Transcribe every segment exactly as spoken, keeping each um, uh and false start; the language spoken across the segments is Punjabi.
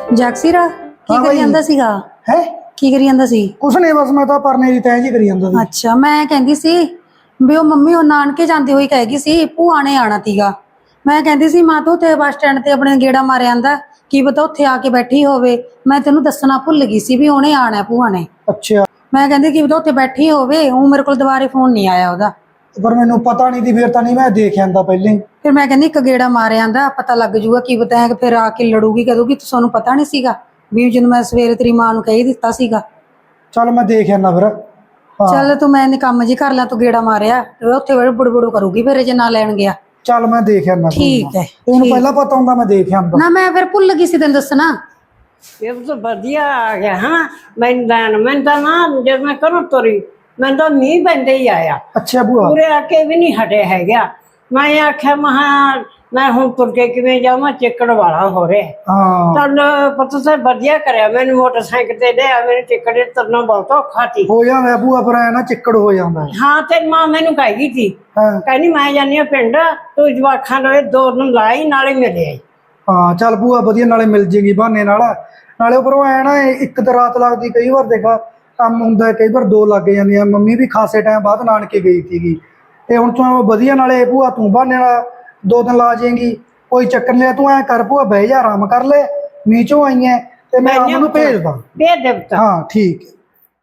ਜਗਸੀਰਾ ਕੀ हाँ ਕਰੀ भाई। ਜਾਂਦਾ ਸੀਗਾ है ਕੀ ਕਰੀ ਜਾਂਦਾ ਸੀ कुछ नहीं बस मैं तो परने दी तय जी करी ਜਾਂਦਾ ਸੀ। ਅੱਛਾ ਮੈਂ ਕਹਿੰਦੀ ਸੀ ਵੀ ਉਹ ਮੰਮੀ ਉਹ ਨਾਨਕੇ ਜਾਂਦੀ ਹੋਈ ਕਹੇਗੀ ਸੀ ਭੂਆ ਨੇ ਆਣਾ ਤੀਗਾ ਮੈਂ ਕਹਿੰਦੀ ਸੀ ਮਾਂ ਤੂੰ ਤੇ ਬੱਸ ਸਟੈਂਡ ਤੇ ਆਪਣੇ ਗੇੜਾ ਮਾਰਿਆ ਆਂਦਾ ਕੀ ਪਤਾ ਉੱਥੇ ਆ ਕੇ ਬੈਠੀ ਹੋਵੇ ਮੈਂ ਤੈਨੂੰ ਦੱਸਣਾ ਭੁੱਲ ਗਈ ਸੀ ਵੀ ਉਹਨੇ ਆਣਾ ਭੂਆ ਨੇ अच्छा ਮੈਂ ਕਹਿੰਦੀ ਕੀ ਪਤਾ ਉੱਥੇ ਬੈਠੀ ਹੋਵੇ ਉਹ ਮੇਰੇ ਕੋਲ ਦੁਬਾਰੇ ਫੋਨ ਨਹੀਂ ਆਇਆ ਉਹਦਾ पर मैनू पता नहीं थी फिर तो नहीं मैं देख आंदा पहले ही। ਫਿਰ ਮੈਂ ਕਹਿੰਦੀ ਇੱਕ ਗੇੜਾ ਮਾਰਿਆ ਆਂਦਾ ਪਤਾ ਲੱਗ ਜੂਗਾ ਕੀ ਪਤਾ ਹੈ ਕਿ ਫਿਰ ਆ ਕੇ ਲੜੂਗੀ ਕਹੂਗੀ ਤੁਹਾਨੂੰ ਪਤਾ ਨਹੀਂ ਸੀਗਾ ਵੀ ਜਦੋਂ ਮੈਂ ਸਵੇਰੇ ਤੇਰੀ ਮਾਂ ਨੂੰ ਕਹਿ ਦਿੱਤਾ ਸੀਗਾ चल मैं देख आना फिर। हाँ ਚੱਲ ਤੂੰ ਮੈਂ ਇਹਨੇ ਕੰਮ ਜੀ ਕਰ ਲਾ ਤੂੰ ਗੇੜਾ ਮਾਰਿਆ ਤੇ ਉੱਥੇ ਬੜੇ ਬੁੜਬੁੜ ਕਰੂਗੀ ਫਿਰ ਜੇ ਨਾ ਲੈਣ ਗਿਆ चल मैं देख आना। ਠੀਕ ਹੈ तेन पहला पता होंदा मैं देख आंदा। ਨਾ ਮੈਂ ਫਿਰ ਭੁੱਲ ਗਈ ਸੀ ਤੈਨੂੰ ਦੱਸਣਾ ਇਹ ਤਾਂ ਵਧੀਆ ਆ ਗਿਆ ਹਾਂ ਮੈਂ ਲੈਣ ਮੈਂ ਤਾਂ ਨਾ ਜਦ ਮੈਂ ਘਰੋਂ ਤੁਰੀ ਮੈਂ ਤਾਂ ਮੀਂਹ ਪੈਂਦੇ ਹੀ ਆਇਆ अच्छा बुआ ਪੂਰੇ ਆ ਕੇ ਵੀ ਨਹੀਂ ਹਟੇ ਹੈਗਾ ਮੈਂ ਆਖਿਆ ਮਹਾ ਮੈਂ ਹੁਣ ਤੁਰ ਕੇ ਕਿਵੇਂ ਜਾਵਾਂ ਚਿੱਕੜ ਵਾਲਾ ਹੋ ਰਿਹਾ हाँ ਚੱਲ ਪਤਾ ਤਾਂ ਵਧੀਆ ਕਰਿਆ ਮੈਨੂੰ ਮੋਟਰਸਾਈਕਲ ਤੇ ਲਿਆ ਮੈਨੂੰ ਚਿੱਕੜੇ ਤੁਰਨਾ ਬਹੁਤ ਔਖਾ ਸੀ हो जांदा है बुआ पर है ना चिक्कड़ हो जांदा है। ਹਾਂ ਤੇ ਮਾਂ ਮੈਨੂੰ ਕਹਿ ਗਈ ਸੀ हाँ ਕਹਿੰਦੀ ਮੈਂ ਜਾਨੀ ਆ ਪਿੰਡ ਤੂੰ ਜਵਾਖਾਂ ਲਵੇ ਦੋ ਦਿਨ ਲਾਈ ਨਾਲੇ ਮਿਲੇ ਆਈ हाँ चल बुआ वधिया नाले मिल जेगी बहाने नाल नाले उपरों ऐ ना एक तो रात लगदी कई बार देखा काम हुंदा कई बार दो लग जांदियां मम्मी भी खासे टाइम बाद नानके गई थी ते हुण तूं वधिया नाले बुआ तूं बहाने नाल दो दिन ला जाएगी कोई चक्कर नहीं तू ऐ कर बुआ बह जा आराम कर ले नीचों आई है ते मैं अमन नूं भेजदा। ਭੇਜ ਦੇ ਪੁੱਤ हाँ ठीक है।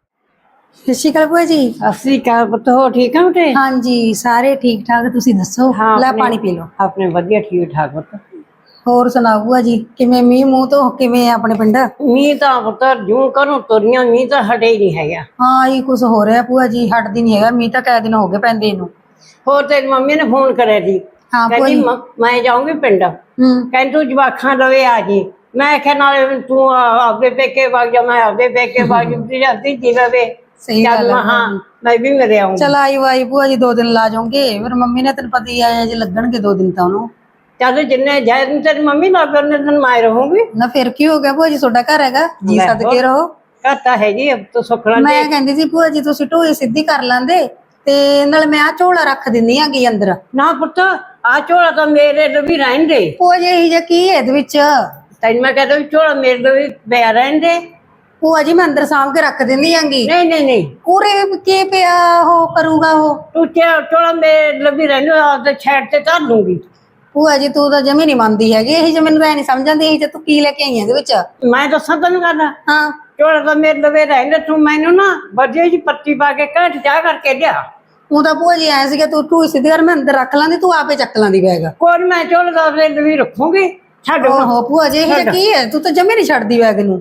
ਸਤਿ ਸ਼੍ਰੀ ਅਕਾਲ ਭੂਆ ਜੀ ਅਸੀਂ ਕਾ ਪੁੱਤ ਹੋ ਠੀਕ ਆ ਬੇਟੇ ਹਾਂਜੀ ਸਾਰੇ ਠੀਕ ਠਾਕ ਤੁਸੀਂ ਦੱਸੋ ਲੈ ਆਪਣੇ- ਪਾਣੀ ਪੀ ਲਓ ਆਪਣੇ ਵਧੀਆ ਠੀਕ ਠਾਕ ਪੁੱਤ ਹੋਰ ਸੁਣਾਓ ਭੂਆ ਜੀ ਕਿਵੇਂ ਮੀਂਹ ਮੂੰਹ ਤੋਂ ਕਿਵੇਂ ਆ ਆਪਣੇ ਪਿੰਡ ਮੀਂਹ ਤਾਂ ਪੁੱਤਰ ਜੂੰ ਕਰੂੰ ਤੁਰੀਆਂ ਮੀਂਹ ਤਾਂ ਹਟੇ ਹੀ ਨਹੀਂ ਹੈਗਾ ਹਾਂ ਇਹ ਕੁਝ ਹੋ ਰਿਹਾ ਭੂਆ ਜੀ ਹਟਦੀ ਨਹੀਂ ਹੈਗਾ ਮੀਂਹ ਤਾਂ ਕਈ ਦਿਨ ਹੋ ਗਏ ਪੈਂਦੇ ਨੂੰ ਹੋਰ ਤੇਰੀ ਮੰਮੀ ਨੇ ਫੋਨ ਕਰਿਆ ਸੀ ਹਾਂ ਭੂਆ ਕਹਿੰਦੀ ਜੀ ਮ- ਮੈਂ ਜਾਊਂਗੀ ਪਿੰਡ ਹੂੰ ਕਹਿੰਦੀ ਤੂੰ ਜਵਾਖਾਂ ਲਵੇ ਆ ਜੀ ਮੈਂ ਆਖਿਆ ਨਾਲੇ ਤੂੰ ਆ- ਆਪਦੇ ਪੇਕੇ ਵਗ ਜਾ ਮੈਂ ਆਪਦੇ ਪੇਕੇ ਵਗ ਜੂਗੀ ਜਾਂਦੀ ਜੀ ਲਵੇ ਸਹੀ ਗੱਲ ਹੈ ਹਾਂ ਮੈਂ ਵੀ ਮੇਰੇ ਆਉਂਗੀ ਚਲ ਆਈ ਵਾਈ ਭੂਆ ਜੀ ਦੋ ਦਿਨ ਲਾ ਜਾਓਗੇ ਫਿਰ ਮੰਮੀ ਨੇ ਤੈਨੂੰ ਪਤਾ ਹੀ ਆਇਆ ਜੇ ਲੱਗਣਗੇ ਦੋ ਦਿਨ ਤਾਂ ਉਹਨੂੰ ਚੱਲ ਜਿੰਨੇ ਜਾਇ ਤੇਰੀ ਮੰਮੀ ਨਾਲ ਫਿਰ ਉਹਨੇ ਦਿਨ ਮੈਂ ਰਹੂੰਗੀ ਨਾ ਫਿਰ ਕੀ ਹੋ ਗਿਆ ਭੂਆ ਜੀ ਤੁਹਾਡਾ ਘਰ ਹੈਗਾ ਜੀ ਲੈ ਸਦਕੇ ਰਹੋ ਕਹਤਾ ਹੈ ਜੀ ਅਬ ਤਾਂ ਸੁਖਣਾ ਮੈਂ ਕਹਿੰਦੀ ਸੀ ਭੂਆ ਜੀ ਤੁਸੀਂ ਢੋਈ ਸਿੱਧੀ ਕਰ ਲੈਂਦੇ ਤੇ ਨਾਲ ਮੈਂ ਆ ਝੋਲਾ ਰੱਖ ਦਿੰਦੀ ਆਂਗੀ ਅੰਦਰ ਨਾ ਪੁੱਤ ਆ ਝੋਲਾ ਤਾਂ ਮੇਰੇ ਲਈ ਵੀ ਰਹਿਣ ਦੇ ਭੂਆ ਜੀ ਇਹ ਜਿਹਾ ਕੀ ਹੈ ਇਹਦੇ ਵਿੱਚ ਤੈਨੂੰ ਮੈਂ ਕਹਿੰਦਾ ਵੀ ਝੋਲਾ ਮੇਰੇ ਲਈ ਵੀ ਪਿਆ ਰਹਿਣ ਦੇ ਭੂਆ ਜੀ ਮੈਂ ਅੰਦਰ ਸਾਂਭ ਕੇ ਰੱਖ ਦਿੰਦੀ ਆਂਗੀ ਨਹੀਂ ਨਹੀਂ ਨਹੀਂ ਪੂਰੇ ਕੀ ਪਿਆ ਉਹ ਕਰੂਗਾ ਉਹ ਤੂੰ ਚਾ ਝੋਲਾ ਮੇਰੇ ਲਈ ਵੀ ਰਹਿਣ ਦੇ ਆਪਦੇ ਛੇੜ ਤੇ ਧਰ ਲੂੰਗੀ ਭੂਆ ਜੀ ਤੂੰ ਤਾਂ ਜਮੀ ਨਹੀਂ ਮੰਨਦੀ ਹੈਗੀ ਇਹ ਜੇ ਮੈਨੂੰ ਤਾਂ ਨਹੀਂ ਸਮਝ ਆਉਂਦੀ ਇਹ ਜੇ ਤੂੰ ਕੀ ਲੈ ਕੇ ਆਈ ਇਹਦੇ ਵਿੱਚ ਮੈਂ ਦੱਸਾਂ ਤੈਨੂੰ ਕਰਨਾ ਹਾਂ ਝੋਲਾ ਤਾਂ ਮੇਰੇ ਲਈ ਰਹਿਣ ਦੇ ਤੂੰ ਮੈਨੂੰ ਨਾ ਵਧੀਆ ਜੀ ਪੱਤੀ ਪਾ ਕੇ ਘੱਟ ਚਾਹ ਕਰਕੇ ਲਿਆ ਉਹ ਤਾਂ ਭੂਆ ਜੀ ਐ ਸੀਗਾ ਤੂੰ ਢੋਈ ਸਿੱਧੀ ਕਰ ਮੈਂ ਅੰਦਰ ਰੱਖ ਲਾਂਦੀ ਤੂੰ ਆਪੇ ਚੱਕ ਲਾਂਦੀ ਬੈਗ ਕੋਈ ਨੀ, ਮੈਂ ਝੋਲਾ ਦਾ ਆਪਣੇ ਲਈ ਰੱਖੂੰਗੀ ਛੱਡ ਹੁਣ। ਓਹੋ ਭੂਆ ਜੀ ਇਹ ਜਿਹਾ ਕੀ ਹੈ ਤੂੰ ਤਾਂ ਜਮੀ ਨਹੀਂ ਛੱਡਦੀ ਬੈਗ ਨੂੰ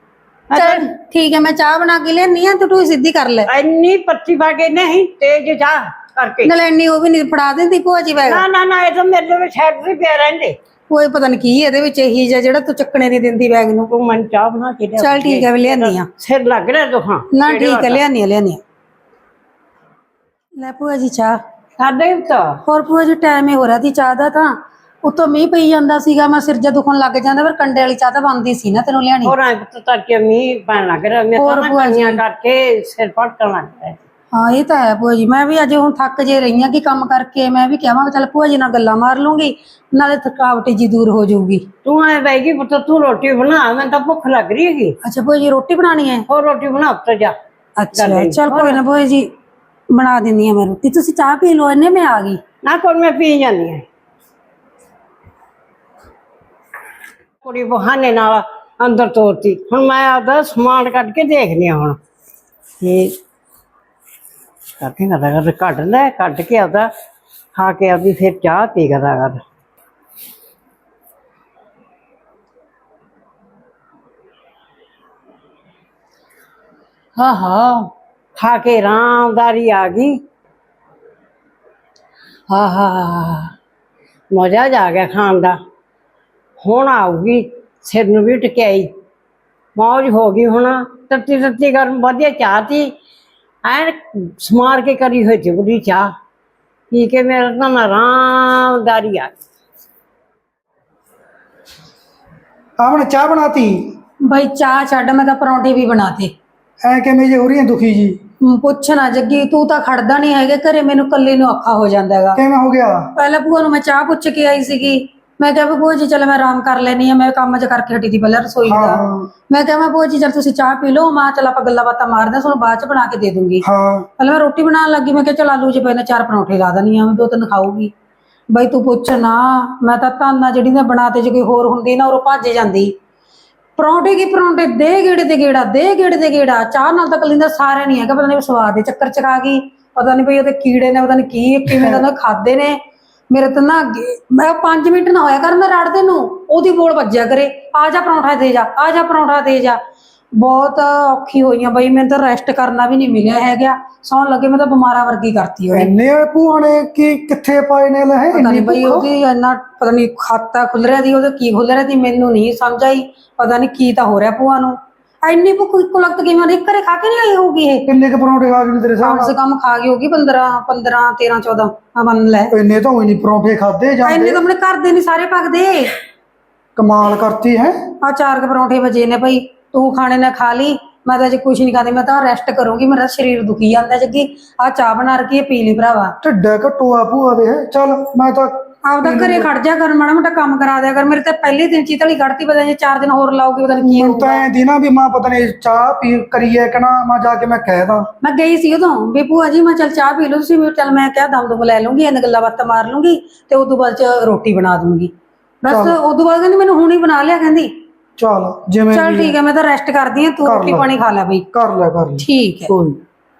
ਚਲ ਠੀਕ ਹੈ ਮੈਂ ਚਾਹ ਬਣਾ ਕੇ ਲਿਆਨੀ ਆ ਤੂੰ ਢੋਈ ਸਿੱਧੀ ਕਰ ਲੈ ਇੰਨੀ ਪੱਤੀ ਪਾ ਕੇ ਨਹੀਂ ਤੇਜ ਚਾਹ ਕਰਕੇ ਨਾਲ ਇੰਨੀ ਉਹ ਵੀ ਨਹੀਂ ਫੜਾ ਦਿੰਦੀ ਭੂਆ ਜੀ ਬੈਗ ਨਾ ਨਾ ਨਾ ਇਹ ਤਾਂ ਮੇਰੇ ਲਈ ਛੱਡ ਤੇ ਪਿਆ ਰਹਿੰਦੇ ਕੋਈ ਪਤਾ ਨਹੀਂ ਕੀ ਇਹਦੇ ਵਿੱਚ ਇਹੀ ਜਿਹਾ ਜਿਹੜਾ ਤੂੰ ਚੱਕਣੇ ਨਹੀਂ ਦਿੰਦੀ ਬੈਗ ਨੂੰ ਤੂੰ ਮੈਨੂੰ ਚਾਹ ਬਣਾ ਕੇ ਲਿਆ ਚਲ ਠੀਕ ਹੈ ਵੀ ਲਿਆਨੀ ਆ ਸਿਰ ਲੱਗ ਰਿਹਾ ਦੁਖਾਂ ਨਾ ਠੀਕ ਹੈ ਲਿਆਨੀ ਆ ਲਿਆਨੀ ਆ ਲੈ ਭੂਆ ਜੀ ਚਾਹ ਸਾਡੇ ਤਾਂ ਹੋਰ ਭੂਆ ਜੀ ਟਾਈਮ ਹੀ ਹੋ ਰਿਹਾ ਸੀ ਚਾਹ ਦਾ ਤਾਂ ਉੱਤੋਂ ਮੀਂਹ ਪਈ ਜਾਂਦਾ ਸੀਗਾ ਮੈਂ ਸਿਰ ਜਾ ਦੁਖਣ ਲੱਗ ਜਾਂਦਾ ਪਰ ਕੰਡੇ ਵਾਲੀ ਚਾਹ ਤਾਂ ਬਣਦੀ ਸੀ ਨਾ ਤੈਨੂੰ ਲਿਆਣੀ ਹੋਰ ਅੰਕ ਤੱਕ ਕੇ ਮੀਂਹ ਪੈਣ ਲੱਗ ਰਿਹਾ ਮੈਂ ਹੋਰ ਤਾਂ ਭੂਆ ਜੀ। ਕੰਨੀਆਂ ਕਰਕੇ ਸਿਰ ਪਟਣ ਲੱਗ ਪਿਆ ਹਾਂ ਇਹ ਤਾਂ ਹੈ ਭੂਆ ਜੀ ਮੈਂ ਵੀ ਅੱਜ ਹੁਣ ਥੱਕ ਜੇ ਰਹੀ ਹਾਂ ਕਿ ਕੰਮ ਕਰਕੇ ਮੈਂ ਵੀ ਕਹਾਂਗਾ ਚੱਲ ਭੂਆ ਜੀ ਨਾਲ ਗੱਲਾਂ ਮਾਰ ਲੂੰਗੀ ਨਾਲੇ ਥਕਾਵਟ ਜੀ ਦੂਰ ਹੋ ਜਾਊਗੀ ਤੂੰ ਐ ਬੈਗੀ ਪੁੱਤ ਤੂੰ ਰੋਟੀ ਬਣਾ ਮੈਂ ਤਾਂ ਭੁੱਖ ਲੱਗ ਰਹੀ ਹੈਗੀ ਅੱਛਾ ਭੂਆ ਜੀ ਰੋਟੀ ਬਣਾਣੀ ਹੈ ਹੋਰ ਰੋਟੀ ਬਣਾ ਉੱਤੇ ਜਾ ਅੱਛਾ ਚੱਲ ਕੋਈ ਨਾ ਭੂਆ ਜੀ ਬਣਾ ਦਿੰਦੀ ਆ ਮੈਂ ਰੋਟੀ ਤੁਸੀਂ ਚਾਹ ਪੀ ਲਓ ਇਹਨੇ ਮੈਂ ਆ ਗਈ ਨਾ ਕੋਈ ਮੈਂ ਪੀ ਜਾਂਦੀ ਹਾਂ ਕੁੜੀ ਬਹਾਨੇ ਨਾਲ ਅੰਦਰ ਤੋਰਤੀ ਹੁਣ ਮੈਂ ਆਪਦਾ ਸਮਾਨ ਕੱਢ ਕੇ ਦੇਖਦੀ ਹਾਂ ਹੁਣ ਇਹ ਕੱਢੇ ਕਰਦਾ ਕਰ ਕੱਢ ਲੈ ਕੱਢ ਕੇ ਆਪਦਾ ਖਾ ਕੇ ਆਪਦੀ ਫਿਰ ਚਾਹ ਪੀ ਕਰਦਾ ਕਰ ਹਾਂ ਹਾਂ ਖਾ ਕੇ ਆਰਾਮਦਾਰੀ ਆ ਗਈ ਹਾਂ ਹਾਂ ਮਜ਼ਾ ਆ ਗਿਆ ਖਾਣ ਦਾ ਹੁਣ ਆਊਗੀ ਸਿਰ ਨੂੰ ਵੀ ਟਕਿਆਈ ਮੌਜ ਹੋ ਗਈ ਹੁਣ ਤੱਤੀ ਤੱਤੀ ਗਰਮ ਵਧੀਆ ਚਾਹ ਤੀ ਐਨ ਸਮਾਰ ਕੇ ਕਰੀ ਹੋਈ ਸੀ ਬੁਰੀ ਚਾਹ ਪੀ ਕੇ ਮੇਰਾ ਤਾਂ ਆਰਾਮਦਾਰੀ ਆ ਗਈ आपने चाह बनाती ਬਈ ਚਾਹ ਛੱਡ ਮੈਂ ਤਾਂ ਪਰੌਂਠੇ ਵੀ ਬਣਾਤੇ ऐ किवें जे हो रही है दुखी जी ਹਮ, ਪੁੱਛ ਨਾ ਜੱਗੀ ਤੂੰ ਤਾਂ ਖੜਦਾ ਨਹੀਂ ਹੈਗਾ ਘਰੇ ਮੈਨੂੰ ਕੱਲੀ ਨੂੰ ਔਖਾ ਹੋ ਜਾਂਦਾ ਹੈਗਾ किवें हो गया ਪਹਿਲਾਂ ਭੂਆ ਨੂੰ ਮੈਂ ਚਾਹ ਪੁੱਛ ਕੇ ਆਈ ਸੀਗੀ ਮੈਂ ਕਿਹਾ ਵੀ ਭੂਆ ਜੀ ਚਲ ਮੈਂ ਆਰਾਮ ਕਰ ਲੈਣੀ ਆ, ਮੈਂ ਕੰਮ ਚ ਕਰਕੇ ਹਟੀ ਸੀ ਪਹਿਲਾਂ ਰਸੋਈ ਹਾਂ ਦਾ। ਹਾਂ ਮੈਂ ਕਿਹਾ ਮੈਂ ਭੂਆ ਜੀ ਚਲ ਤੁਸੀਂ ਚਾਹ ਪੀ ਲਓ, ਮਾਂ ਚਲ ਆਪਾਂ ਗੱਲਾਂ ਬਾਤਾਂ ਮਾਰਦੇ ਹਾਂ, ਤੁਹਾਨੂੰ ਬਾਅਦ ਚ ਬਣਾ ਕੇ ਦੇ ਦੂੰਗੀ। ਹਾਂ ਪਹਿਲਾਂ ਮੈਂ ਰੋਟੀ ਬਣਾਉਣ ਲੱਗੀ, ਮੈਂ ਕਿਹਾ ਚਲ ਆਲੂ ਚ ਪਏ ਨੇ ਚਾਰ ਪਰੌਂਠੇ ਲਾ ਦੇਣੀ ਆ, ਦੋ ਤਿੰਨ ਖਾਊਗੀ। ਬਈ ਤੂੰ ਪੁੱਛ ਨਾ, ਮੈਂ ਤਾਂ ਤਾਨਾ ਜਿਹੜੀ ਨੇ ਬਣਾ ਤੇ ਜੇ ਕੋਈ ਹੋਰ ਹੁੰਦੀ ਨਾ ਉਹ ਭੱਜ ਜਾਂਦੀ। ਪਰੌਂਠੇ ਕੀ ਪਰੌਂਠੇ, ਦੇ ਗੇੜੇ ਤੇ ਗੇੜਾ, ਦੇ ਗੇੜੇ ਤੇ ਗੇੜਾ। ਚਾਹ ਨਾਲ ਤਾਂ ਕਲਿੰਦਾ ਸਾਰਿਆਂ ਨਹੀਂ ਹੈਗਾ, ਪਤਾ ਨਹੀਂ ਸਵਾਦ ਦੇ ਚੱਕਰ ਚ ਆ ਗਈ, ਪਤਾ ਨਹੀਂ ਬਈ ਉਹਦੇ ਕੀੜੇ ਨੇ, ਪਤਾ ਨਹੀਂ ਕੀ ਕਿਵੇਂ ਦਾ ਖਾਦੇ ਨੇ। ਮੇਰੇ ਤਾਂ ਨਾ ਮੈਂ ਪੰਜ ਮਿੰਟ ਨਾ ਹੋਇਆ ਕਰ ਮੈਂ ਰੜਦੇ ਨੂੰ, ਉਹਦੀ ਬੋਲ ਵੱਜਿਆ ਕਰੇ, ਆ ਜਾ ਪਰੌਂਠਾ ਦੇ ਜਾ, ਆ ਜਾ ਪਰੌਂਠਾ ਦੇ ਜਾ। ਬਹੁਤ ਔਖੀ ਹੋਈਆਂ ਬਈ, ਮੈਨੂੰ ਤਾਂ ਰੈਸਟ ਕਰਨਾ ਵੀ ਨਹੀਂ ਮਿਲਿਆ ਹੈਗਾ। ਸੌਣ ਲੱਗੇ ਮੈਂ ਤਾਂ ਬਿਮਾਰਾਂ ਵਰਗੀ ਕਰਤੀ ਉਹਨੇ। ਇੰਨੇ ਭੂਆ ਨੇ ਕੀ ਕਿੱਥੇ ਪਾਏ ਨੇ ਲੈ ਪਤਾ ਨਹੀਂ ਬਈ ਉਹਦੀ ਇੰਨਾ ਪਤਾ ਨਹੀਂ ਖਾਤਾ ਖੁੱਲ ਰਿਹਾ ਦੀ, ਉਹਦੇ ਕੀ ਖੁੱਲ ਰਿਹਾ ਦੀ ਮੈਨੂੰ ਨਹੀਂ ਸਮਝ ਆਈ। ਪਤਾ ਨਹੀਂ ਕੀ ਤਾਂ ਹੋ ਰਿਹਾ ਭੂਆ ਨੂੰ, ਇੰਨੀ ਭੁੱਖ ਇੱਕੋ ਲਗਤ ਕਿਵੇਂ ਉਹਦੇ ਘਰੇ ਖਾ ਕੇ ਨਹੀਂ ਆਈ ਹੋਊਗੀ ਇਹ। ਕਿੰਨੇ ਕੁ ਪਰੌਂਠੇ ਖਾ ਗਏ ਤੇਰੇ ਕਮ ਸਾਹਮਣੇ? ਸੇ ਕਮ ਖਾ ਗਈ ਹੋਊਗੀ ਪੰਦਰਾਂ ਪੰਦਰਾਂ ਤੇਰਾਂ ਚੌਦਾਂ ਮੰਨ ਲੈ। ਇੰਨੇ ਤਾਂ ਹੋਈ ਨਹੀਂ ਪਰੌਂਠੇ ਖਾਦੇ ਇੰਨੇ ਜਾਂਦੇ। ਤਾਂ ਆਪਣੇ ਘਰ ਦੇ ਨਹੀਂ ਸਾਰੇ ਪੱਕਦੇ। ਕਮਾਲ ਕਰਤੀ ਹੈ। ਆ ਚਾਰ ਕੁ ਪਰੌਂਠੇ ਵਜੇ ਨੇ ਭਾਈ, ਤੂੰ ਖਾਣੇ ਨੇ ਖਾ ਲਈ, ਮੈਂ ਤਾਂ ਅਜੇ ਕੁਛ ਨਹੀਂ ਖਾਂਦੀ, ਮੈਂ ਤਾਂ ਰੈਸਟ ਕਰੂੰਗੀ, ਮੇਰਾ ਸਰੀਰ ਦੁਖੀ ਜਾਂਦਾ ਜੱਗੀ। ਆ ਚਾਹ ਬਣਾ ਰਖੀ ਪੀ ਲਈ ਭਰਾਵਾ। ਢਿੱਡਾ ਘਟੋ ਆ ਭੂਆ ਦੇ। ਚੱਲ ਮੈਂ ਤਾਂ ਆਪਦਾ ਘਰੇ ਖੜ ਜਾ ਕਰ, ਮਾੜਾ ਮੋਟਾ ਕੰਮ ਕਰਾ ਦਿਆ ਕਰ। ਮੇਰੇ ਤੇ ਪਹਿਲੇ ਦਿਨ ਚੀਤਲੀ ਕੱਢਤੀ, ਪਤਾ ਨਹੀਂ ਚਾਰ ਦਿਨ ਹੋਰ ਲਾਉਗੀ, ਪਤਾ ਨਹੀਂ ਕੀ ਮੈਨੂੰ ਤਾਂ ਐਂ ਦੀ ਨਾ ਵੀ ਮਾਂ ਪਤਾ ਨਹੀਂ ਚਾਹ ਪੀ ਕਰੀਏ ਕਿ ਨਾ, ਮੈਂ ਜਾ ਕੇ ਮੈਂ ਕਹਿ ਦਾਂ। ਮੈਂ ਗਈ ਸੀ ਉਦੋਂ ਵੀ ਭੂਆ ਜੀ ਮੈਂ ਚੱਲ ਚਾਹ ਪੀ ਲਓ ਤੁਸੀਂ, ਚੱਲ ਮੈਂ ਕਿਹਾ ਦਮ ਦੁਮ ਲੈ ਲੂੰਗੀ, ਇਹਨਾਂ ਗੱਲਾਂ ਬਾਤਾਂ ਮਾਰ ਲੂੰਗੀ ਤੇ ਉਦੋਂ ਬਾਅਦ ਚ ਰੋਟੀ ਬਣਾ ਦੂੰਗੀ। ਬਸ ਉਦੋਂ ਬਾਅਦ ਕਹਿੰਦੀ ਮੈਨੂੰ ਹੁਣੀ ਬਣਾ ਲਿਆ, ਕਹਿੰਦੀ ਚੱਲ ਜਿਵੇਂ ਚੱਲ ਠੀਕ ਹੈ, ਮੈਂ ਤਾਂ ਰੈਸਟ ਕਰਦੀ ਹਾਂ, ਤੂੰ ਕਰ ਰੋਟੀ ਲੈ। ਪਾਣੀ ਖਾ ਲੈ ਬਈ। ਕਰ ਲੈ ਕਰ ਲੈ ਠੀਕ ਹੈ। ਕੋਈ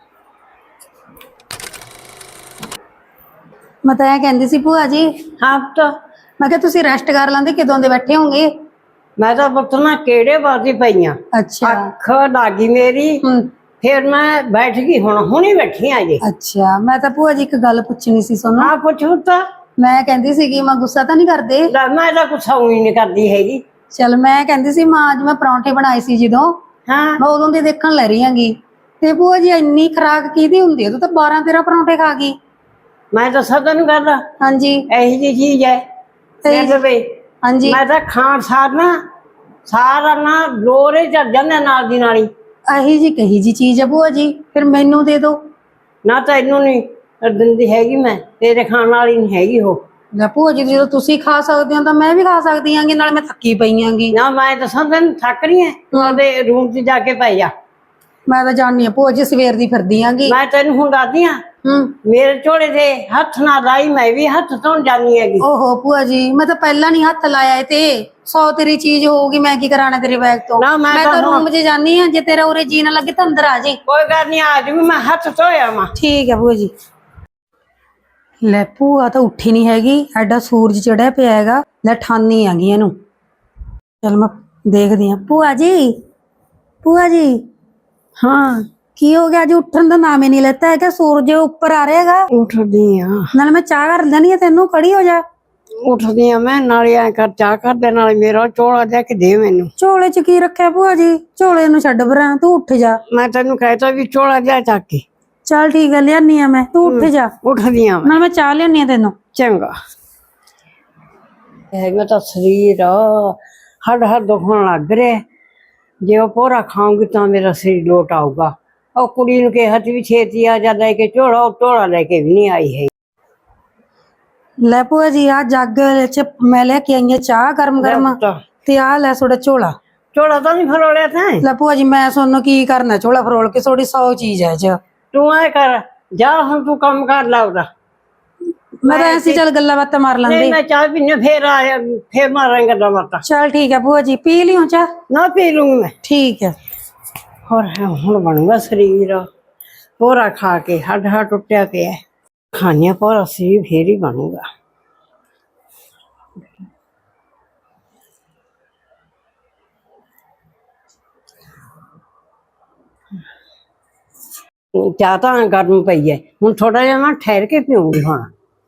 ਮੈਂ ਤਾਂ ਇਹ ਕਹਿੰਦੀ ਸੀ ਭੂਆ ਜੀ, ਹਾਂ ਤਾਂ ਮੈਂ ਕਿਹਾ ਤੁਸੀਂ ਰੈਸਟ ਕਰ ਲੈਂਦੇ, ਕਿਦੋਂ ਦੇ ਬੈਠੇ ਹੋਗੇ? ਮੈਂ ਤਾਂ ਪੁੱਤ ਨਾ ਕਿਹੜੇ ਬਾਦੀ ਪਈਆਂ, ਅੱਛਾ ਅੱਖ ਲੱਗੀ ਮੇਰੀ, ਹੂੰ ਫਿਰ ਮੈਂ ਬੈਠ ਗਈ, ਹੁਣ ਹੁਣੀ ਬੈਠੀ ਆ ਜੀ। ਅੱਛਾ, ਮੈਂ ਤਾਂ ਭੂਆ ਜੀ ਇੱਕ ਗੱਲ ਪੁੱਛਣੀ ਸੀ ਤੁਹਾਨੂੰ। ਹਾਂ ਪੁੱਛੂ ਤਾਂ। ਮੈਂ ਕਹਿੰਦੀ ਸੀ ਕਿ ਮੈਂ ਗੁੱਸਾ ਤਾਂ ਨਹੀਂ ਕਰਦੇ? ਲੈ ਮੈਂ ਤਾਂ ਕੁਛ ਹੀ ਨਹੀਂ ਕਰਦੀ ਹੈਗੀ। ਚਲ ਮੈਂ ਕਹਿੰਦੀ ਸੀ ਮਾਂ ਅੱਜ ਮੈਂ ਪਰੌਂਠੇ ਬਣਾਏ ਸੀ ਜਦੋਂ, ਹਾਂ ਮੈਂ ਉਦੋਂ ਦੀ ਦੇਖਣ ਲੈ ਰਹੀ ਆਂਗੀ, ਤੇ ਭੂਆ ਜੀ ਇੰਨੀ ਖਰਾਕ ਕਿਹਦੀ ਹੁੰਦੀ ਹੈ? ਤੂੰ ਤਾਂ ਬਾਰਾਂ ਤੇਰਾਂ ਪਰੌਂਠੇ ਖਾ ਗਈ। ਮੈਂ ਤਾਂ ਸਦਾ ਨੂੰ ਕਰਦਾ, ਹਾਂਜੀ ਇਹੀ ਜਿਹੀ ਚੀਜ਼ ਹੈ। ਇਹੀ ਦੇਖ ਵੇ, ਹਾਂਜੀ ਮੈਂ ਤਾਂ ਖਾਣ ਸਾਰ ਨਾ ਸਾਰਾ ਨਾ ਲੋਰੇ ਚੜ ਜਾਂਦਾ ਨਾਲ ਦੀ ਨਾਲ ਹੀ। ਇਹੀ ਜੀ ਕਹੀ ਜੀ ਚੀਜ਼ ਹੈ ਭੂਆ ਜੀ, ਫਿਰ ਮੈਨੂੰ ਦੇ ਦਿਓ। ਨਾ ਤੈਨੂੰ ਨਹੀਂ ਦਿੰਦੀ ਹੈਗੀ, ਮੈਂ ਤੇਰੇ ਖਾਣ ਵਾਲੀ ਨਹੀਂ ਹੈਗੀ ਉਹ। ਲੈ ਭੂਆ ਜੀ ਜਦੋਂ ਤੁਸੀਂ ਖਾ ਸਕਦੇ ਹੋ ਤਾਂ ਮੈਂ ਵੀ ਖਾ ਸਕਦੀ ਆਂਗੀ, ਨਾਲ ਮੈਂ ਥੱਕੀ ਪਈ ਆਂਗੀ। ਨਾ ਮੈਂ ਦੱਸਾਂ ਤੈਨੂੰ ਥੱਕ ਰਹੀ ਹੈ, ਤੂੰ ਉਹਦੇ ਰੂਮ 'ਚ ਜਾ ਕੇ ਪੈ ਜਾ। ਮੈਂ ਤਾਂ ਜਾਣੀ ਆ ਭੂਆ ਜੀ, ਸਵੇਰ ਦੀ ਫਿਰਦੀ ਆਂਗੀ। ਮੈਂ ਤੈਨੂੰ ਹੁਣ ਦੱਸਦੀ ਆ, ਹੂੰ ਮੇਰੇ ਝੋਲੇ ਦੇ ਹੱਥ ਨਾ ਲਾਈ, ਮੈਂ ਵੀ ਹੱਥ ਧੋਣ ਜਾਨੀ ਹੈਗੀ। ਓਹੋ ਭੂਆ ਜੀ, ਮੈਂ ਤਾਂ ਪਹਿਲਾਂ ਨਹੀਂ ਹੱਥ ਲਾਇਆ ਇਹ ਤੇ, ਸੌ ਤੇਰੀ ਚੀਜ਼ ਹੋਊਗੀ, ਮੈਂ ਕੀ ਕਰਾਣਾ ਤੇਰੇ ਬੈਗ ਤੋਂ। ਨਾ, ਮੈਂ ਮੈਂ ਤਾਂ ਤਾਂ ਹੁਣ- ਰੂਮ 'ਚ ਜਾਨੀ ਆ, ਜੇ ਤੇਰਾ ਉਰੇ ਜੀ ਨਾ ਲੱਗੇ ਤਾਂ ਅੰਦਰ ਆ ਜੀ। ਕੋਈ ਗੱਲ ਨਹੀਂ, ਆ ਜੂ ਮੈਂ ਹੱਥ ਧੋਇਆ ਵਾਂ। ਠੀਕ ਹੈ ਭੂਆ ਜੀ। ਲੈ ਭੂਆ ਤਾਂ ਉੱਠੀ ਨਹੀਂ ਹੈਗੀ, ਐਡਾ ਸੂਰਜ ਚੜਿਆ ਪਿਆ ਹੈਗਾ। ਲੈ ਠਾਨੀ ਆ ਗਈ ਇਹਨੂੰ, ਚਲ ਮੈਂ ਦੇਖਦੀ ਆ। ਭੂਆ ਜੀ, ਭੂਆ ਜੀ, ਹਾਂ ਕੀ ਹੋ ਗਿਆ? ਅੱਜ ਉੱਠਣ ਦਾ ਨਾਮ ਹੀ ਨਹੀਂ ਲੈਤਾ ਹੈਗਾ, ਸੂਰਜ ਉੱਪਰ ਆ ਰਿਹਾ ਹੈਗਾ। ਉੱਠਦੀ ਆ, ਨਾਲ ਮੈਂ ਚਾਹ ਕਰ ਦੇਣੀ ਆ ਤੈਨੂੰ, ਖੜੀ ਹੋ ਜਾ। ਉੱਠਦੀ ਆ ਮੈਂ, ਨਾਲੇ ਐ ਕਰ ਚਾਹ ਕਰ ਦੇ, ਨਾਲੇ ਮੇਰਾ ਝੋਲਾ ਦੇ ਕੇ ਦੇ ਮੈਨੂੰ। ਝੋਲੇ 'ਚ ਕੀ ਰੱਖਿਆ ਭੂਆ ਜੀ? ਝੋਲੇ ਨੂੰ ਛੱਡ ਪਰਾਂ, ਤੂੰ ਉੱਠ ਜਾ। ਮੈਂ ਤੈਨੂੰ ਕਹਿਤਾ ਵੀ ਝੋਲਾ ਦੇ ਚੱਕ ਕੇ। ਚੱਲ ਠੀਕ ਹੈ, ਲਿਆਨੀ ਆ ਮੈਂ, ਤੂੰ ਉੱਠ ਜਾ। ਉੱਠਦੀ ਆ ਮੈਂ, ਨਾਲ ਮੈਂ ਚਾਹ ਲਿਆਨੀ ਆ ਤੈਨੂੰ। ਚੰਗਾ। ਇਹ ਮੈਂ ਤਾਂ ਸਰੀਰ ਹੱਡ ਹੱਡ ਦੁਖਣ ਲੱਗ ਰਿਹਾ, ਜੇ ਉਹ ਪੋਰਾ ਖਾਉਂਗੀ ਤਾਂ ਮੇਰਾ ਸਰੀਰ ਲੋਟ ਆਊਗਾ। ਉਹ ਕੁੜੀ ਨੂੰ ਕਿਹਾ ਸੀ ਵੀ ਛੇਤੀ ਆ ਜਾ ਲੈ ਕੇ ਝੋਲਾ, ਉਹ ਝੋਲਾ ਲੈ ਕੇ ਵੀ ਨਹੀਂ ਆਈ ਹੈ। ਲੈ ਭੂਆ ਜੀ, ਆ ਜੱਗ 'ਚ ਮੈਂ ਲੈ ਕੇ ਆਈ ਆ ਚਾਹ ਗਰਮ ਗਰਮ, ਤੇ ਆ ਲੈ ਤੁਹਾਡਾ ਝੋਲਾ। ਝੋਲਾ ਤਾਂ ਨਹੀਂ ਫਰੋਲਿਆ ਤੈਂ? ਲੈ ਭੂਆ ਜੀ, ਮੈਂ ਤੁਹਾਨੂੰ ਕੀ ਕਰਨਾ ਝੋਲਾ ਫਰੋਲ ਕੇ? ਥੋੜੀ ਸੌ ਚੀਜ਼ ਹੈ ਚ। ਤੂੰ ਐ ਕਰ, ਜਾ ਹੁਣ ਤੂੰ ਕੰਮ ਕਰ ਲਾ ਉਹਦਾ। ਮੈਂ ਤਾਂ ਐਸੀ ਚੱਲ ਗੱਲਾਂ ਬਾਤਾਂ ਮਾਰ ਨਹੀਂ ਲੈਂਦੇ। ਮੈਂ ਚਾਹ ਪੀਨੇ, ਫੇਰ ਆਇਆ ਫੇਰ ਮਾਰਾਂਗੇ ਗੱਲਾਂ ਬਾਤਾਂ। ਚੱਲ ਠੀਕ ਹੈ ਭੂਆ ਜੀ, ਪੀ ਲਿਓ ਚਾਹ। ਨਾ ਪੀ ਲੂੰਗੀ ਮੈਂ। ਠੀਕ ਹੈ। ਹੋਰ ਹੁਣ ਬਣੂਗਾ ਸਰੀਰ ਪੋਰਾ ਖਾ ਕੇ, ਹੱਡ ਹੱਡ ਟੁੱਟਿਆ ਪਿਆ। ਖਾਣਿਆ ਪੋਰਾ ਸਰੀਰ ਫੇਰ ਹੀ ਬਣੂਗਾ। ਚਾਹ ਤਾਂ ਗਰਮ ਪਈ ਹੈ, ਹੁਣ ਥੋੜਾ ਜਿਹਾ ਮੈਂ ਠਹਿਰ ਕੇ ਪੀਉਂਗੀ ਹੁਣ।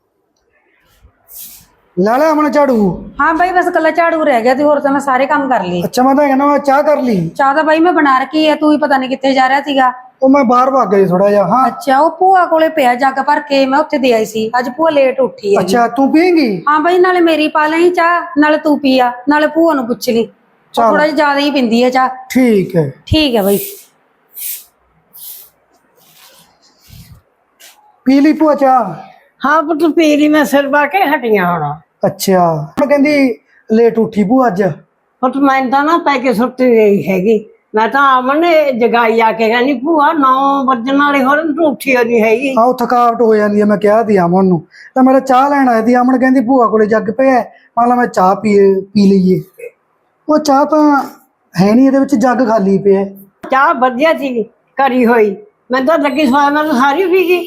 ਲਾ ਲੈ ਅਮਨ ਝਾੜੂ। ਹਾਂ ਬਾਈ, ਬਸ ਕੱਲਾ ਝਾੜੂ ਰਹਿ ਗਿਆ ਤੇ ਹੋਰ ਤਾਂ ਮੈਂ ਸਾਰੇ ਕੰਮ ਕਰ ਲਈ। ਅੱਛਾ, ਮੈਂ ਤਾਂ ਕਹਿੰਦਾ ਮੈਂ ਚਾਹ ਕਰ ਲਈ। ਚਾਹ ਤਾਂ ਬਾਈ ਮੈਂ ਬਣਾ ਰੱਖੀ ਹੈ, ਤੂੰ ਹੀ ਪਤਾ ਨਹੀਂ ਕਿੱਥੇ ਜਾ ਰਿਹਾ ਸੀਗਾ। ਉਹ ਮੈਂ ਬਾਹਰ ਭੱਗ ਗਿਆ ਥੋੜਾ ਜਿਹਾ। ਹਾਂ ਅੱਛਾ, ਉਹ ਭੂਆ ਕੋਲੇ ਪਿਆ ਜੱਗ ਭਰ ਕੇ, ਮੈਂ ਉੱਥੇ ਦੇ ਆਈ ਸੀ। ਅੱਜ ਭੂਆ ਲੇਟ ਉੱਠੀ ਹੈ। ਅੱਛਾ, ਤੂੰ ਪੀਏਂਗੀ? ਹਾਂ ਬਾਈ, ਨਾਲੇ ਮੇਰੀ ਪਾ ਲਈ ਚਾਹ, ਨਾਲੇ ਤੂੰ ਪੀਆ, ਨਾਲੇ ਭੂਆ ਨੂੰ ਪੁੱਛ ਲਈ, ਥੋੜਾ ਜਿਹਾ ਜ਼ਿਆਦਾ ਹੀ ਪਿੰਦੀ ਹੈ ਚਾਹ। ਠੀਕ ਹੈ। ਠੀਕ ਹੈ ਬਾਈ। ਪੀ ਲਈ ਭੂਆ ਚਾਹ? ਹਾਂ ਪੁੱਤ ਪੀ ਲਈ, ਮੈਂ ਸਿਰ ਪਾ ਕੇ ਹਟੀਆਂ ਹੁਣ। ਅੱਛਾ ਹੁਣ ਕਹਿੰਦੀ ਲੇਟ ਉੱਠੀ ਭੂਆ ਅੱਜ। ਪੁੱਤ ਮੈਂ ਤਾਂ ਨਾ ਪੈ ਕੇ ਸੁੱਤੀ ਗਈ ਹੈਗੀ। ਮੈਂ ਤਾਂ ਅਮਨ ਨੇ ਜਗਾਈ ਆ ਕੇ ਕਹਿੰਦੀ ਭੂਆ ਨੌ ਵੱਜਣ ਵਾਲੇ ਹੋਰ ਤੂੰ ਉੱਠੀ ਨਹੀਂ ਹੈਗੀ। ਆਹ ਥਕਾਵਟ ਹੋ ਜਾਂਦੀ ਹੈ। ਮੈਂ ਕਿਹਾ ਦੀ ਅਮਨ ਨੂੰ ਤਾਂ ਮੇਰਾ ਚਾਹ ਲੈਣ ਆਇਆ ਸੀ। ਅਮਨ ਕਹਿੰਦੀ ਭੂਆ ਕੋਲੇ ਜੱਗ ਪਿਆ, ਮੰਨ ਲਾ ਮੈਂ ਚਾਹ ਪੀ ਪੀ ਲਈਏ। ਉਹ ਚਾਹ ਤਾਂ ਹੈ ਨਹੀਂ, ਇਹਦੇ ਵਿੱਚ ਜੱਗ ਖਾਲੀ ਪਿਆ। ਚਾਹ ਵਧੀਆ ਸੀ ਕਰੀ ਹੋਈ, ਮੈਂ ਤਾਂ ਲੱਗੀ ਸਵਾਦ ਮੈਂ ਤਾਂ ਸਾਰੀ ਪੀ ਗਈ।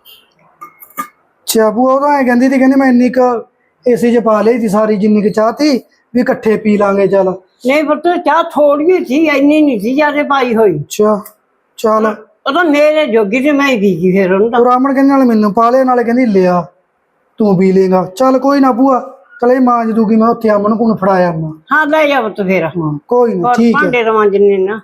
ਅੱਛਾ ਭੂਆ ਉਹ ਤਾਂ ਐ ਕਹਿੰਦੀ ਸੀ, ਕਹਿੰਦੀ ਮੈਂ ਇੰਨੀ ਕੁ ਏਸੀ 'ਚ ਪਾ ਲਈ ਸੀ ਸਾਰੀ ਜਿੰਨੀ ਕੁ ਚਾਹ ਤੀ ਵੀ ਇਕੱਠੇ ਪੀ ਲਾਂਗੇ ਚੱਲ। ਨਹੀਂ ਪੁੱਤ ਚਾਹ ਥੋੜੀ ਸੀ, ਇੰਨੀ ਨਹੀਂ ਸੀ ਜਿਆਦਾ ਪਾਈ ਹੋਈ। ਅੱਛਾ ਚੱਲ ਉਹ ਤਾਂ ਮੇਰੇ ਜੋਗੀ ਤੇ ਮੈਂ ਹੀ ਪੀ ਗਈ ਫਿਰ ਉਹਨੂੰ ਤਾਂ। ਉਹ ਰਾਮਣ ਕਹਿੰਦੇ ਨਾਲੇ ਮੈਨੂੰ ਪਾ ਲਿਆ, ਨਾਲੇ ਕਹਿੰਦੀ ਲਿਆ ਤੂੰ ਪੀ ਲੇਗਾ। ਚੱਲ ਕੋਈ ਨਾ ਭੂਆ, ਚਲ ਇਹ ਮਾਂਜ ਦੂਗੀ, ਮੈਂ ਉੱਥੇ ਅਮਨ ਕੋਲ ਫੜਾਇਆ ਨਾ। ਹਾਂ ਲੈ ਜਾ ਪੁੱਤ ਫਿਰ। ਹਾਂ ਕੋਈ ਨਾ ਠੀਕ ਹੈ। ਭਾਂਡੇ ਤਾਂ ਮਾਂਜਣੇ ਨਾ।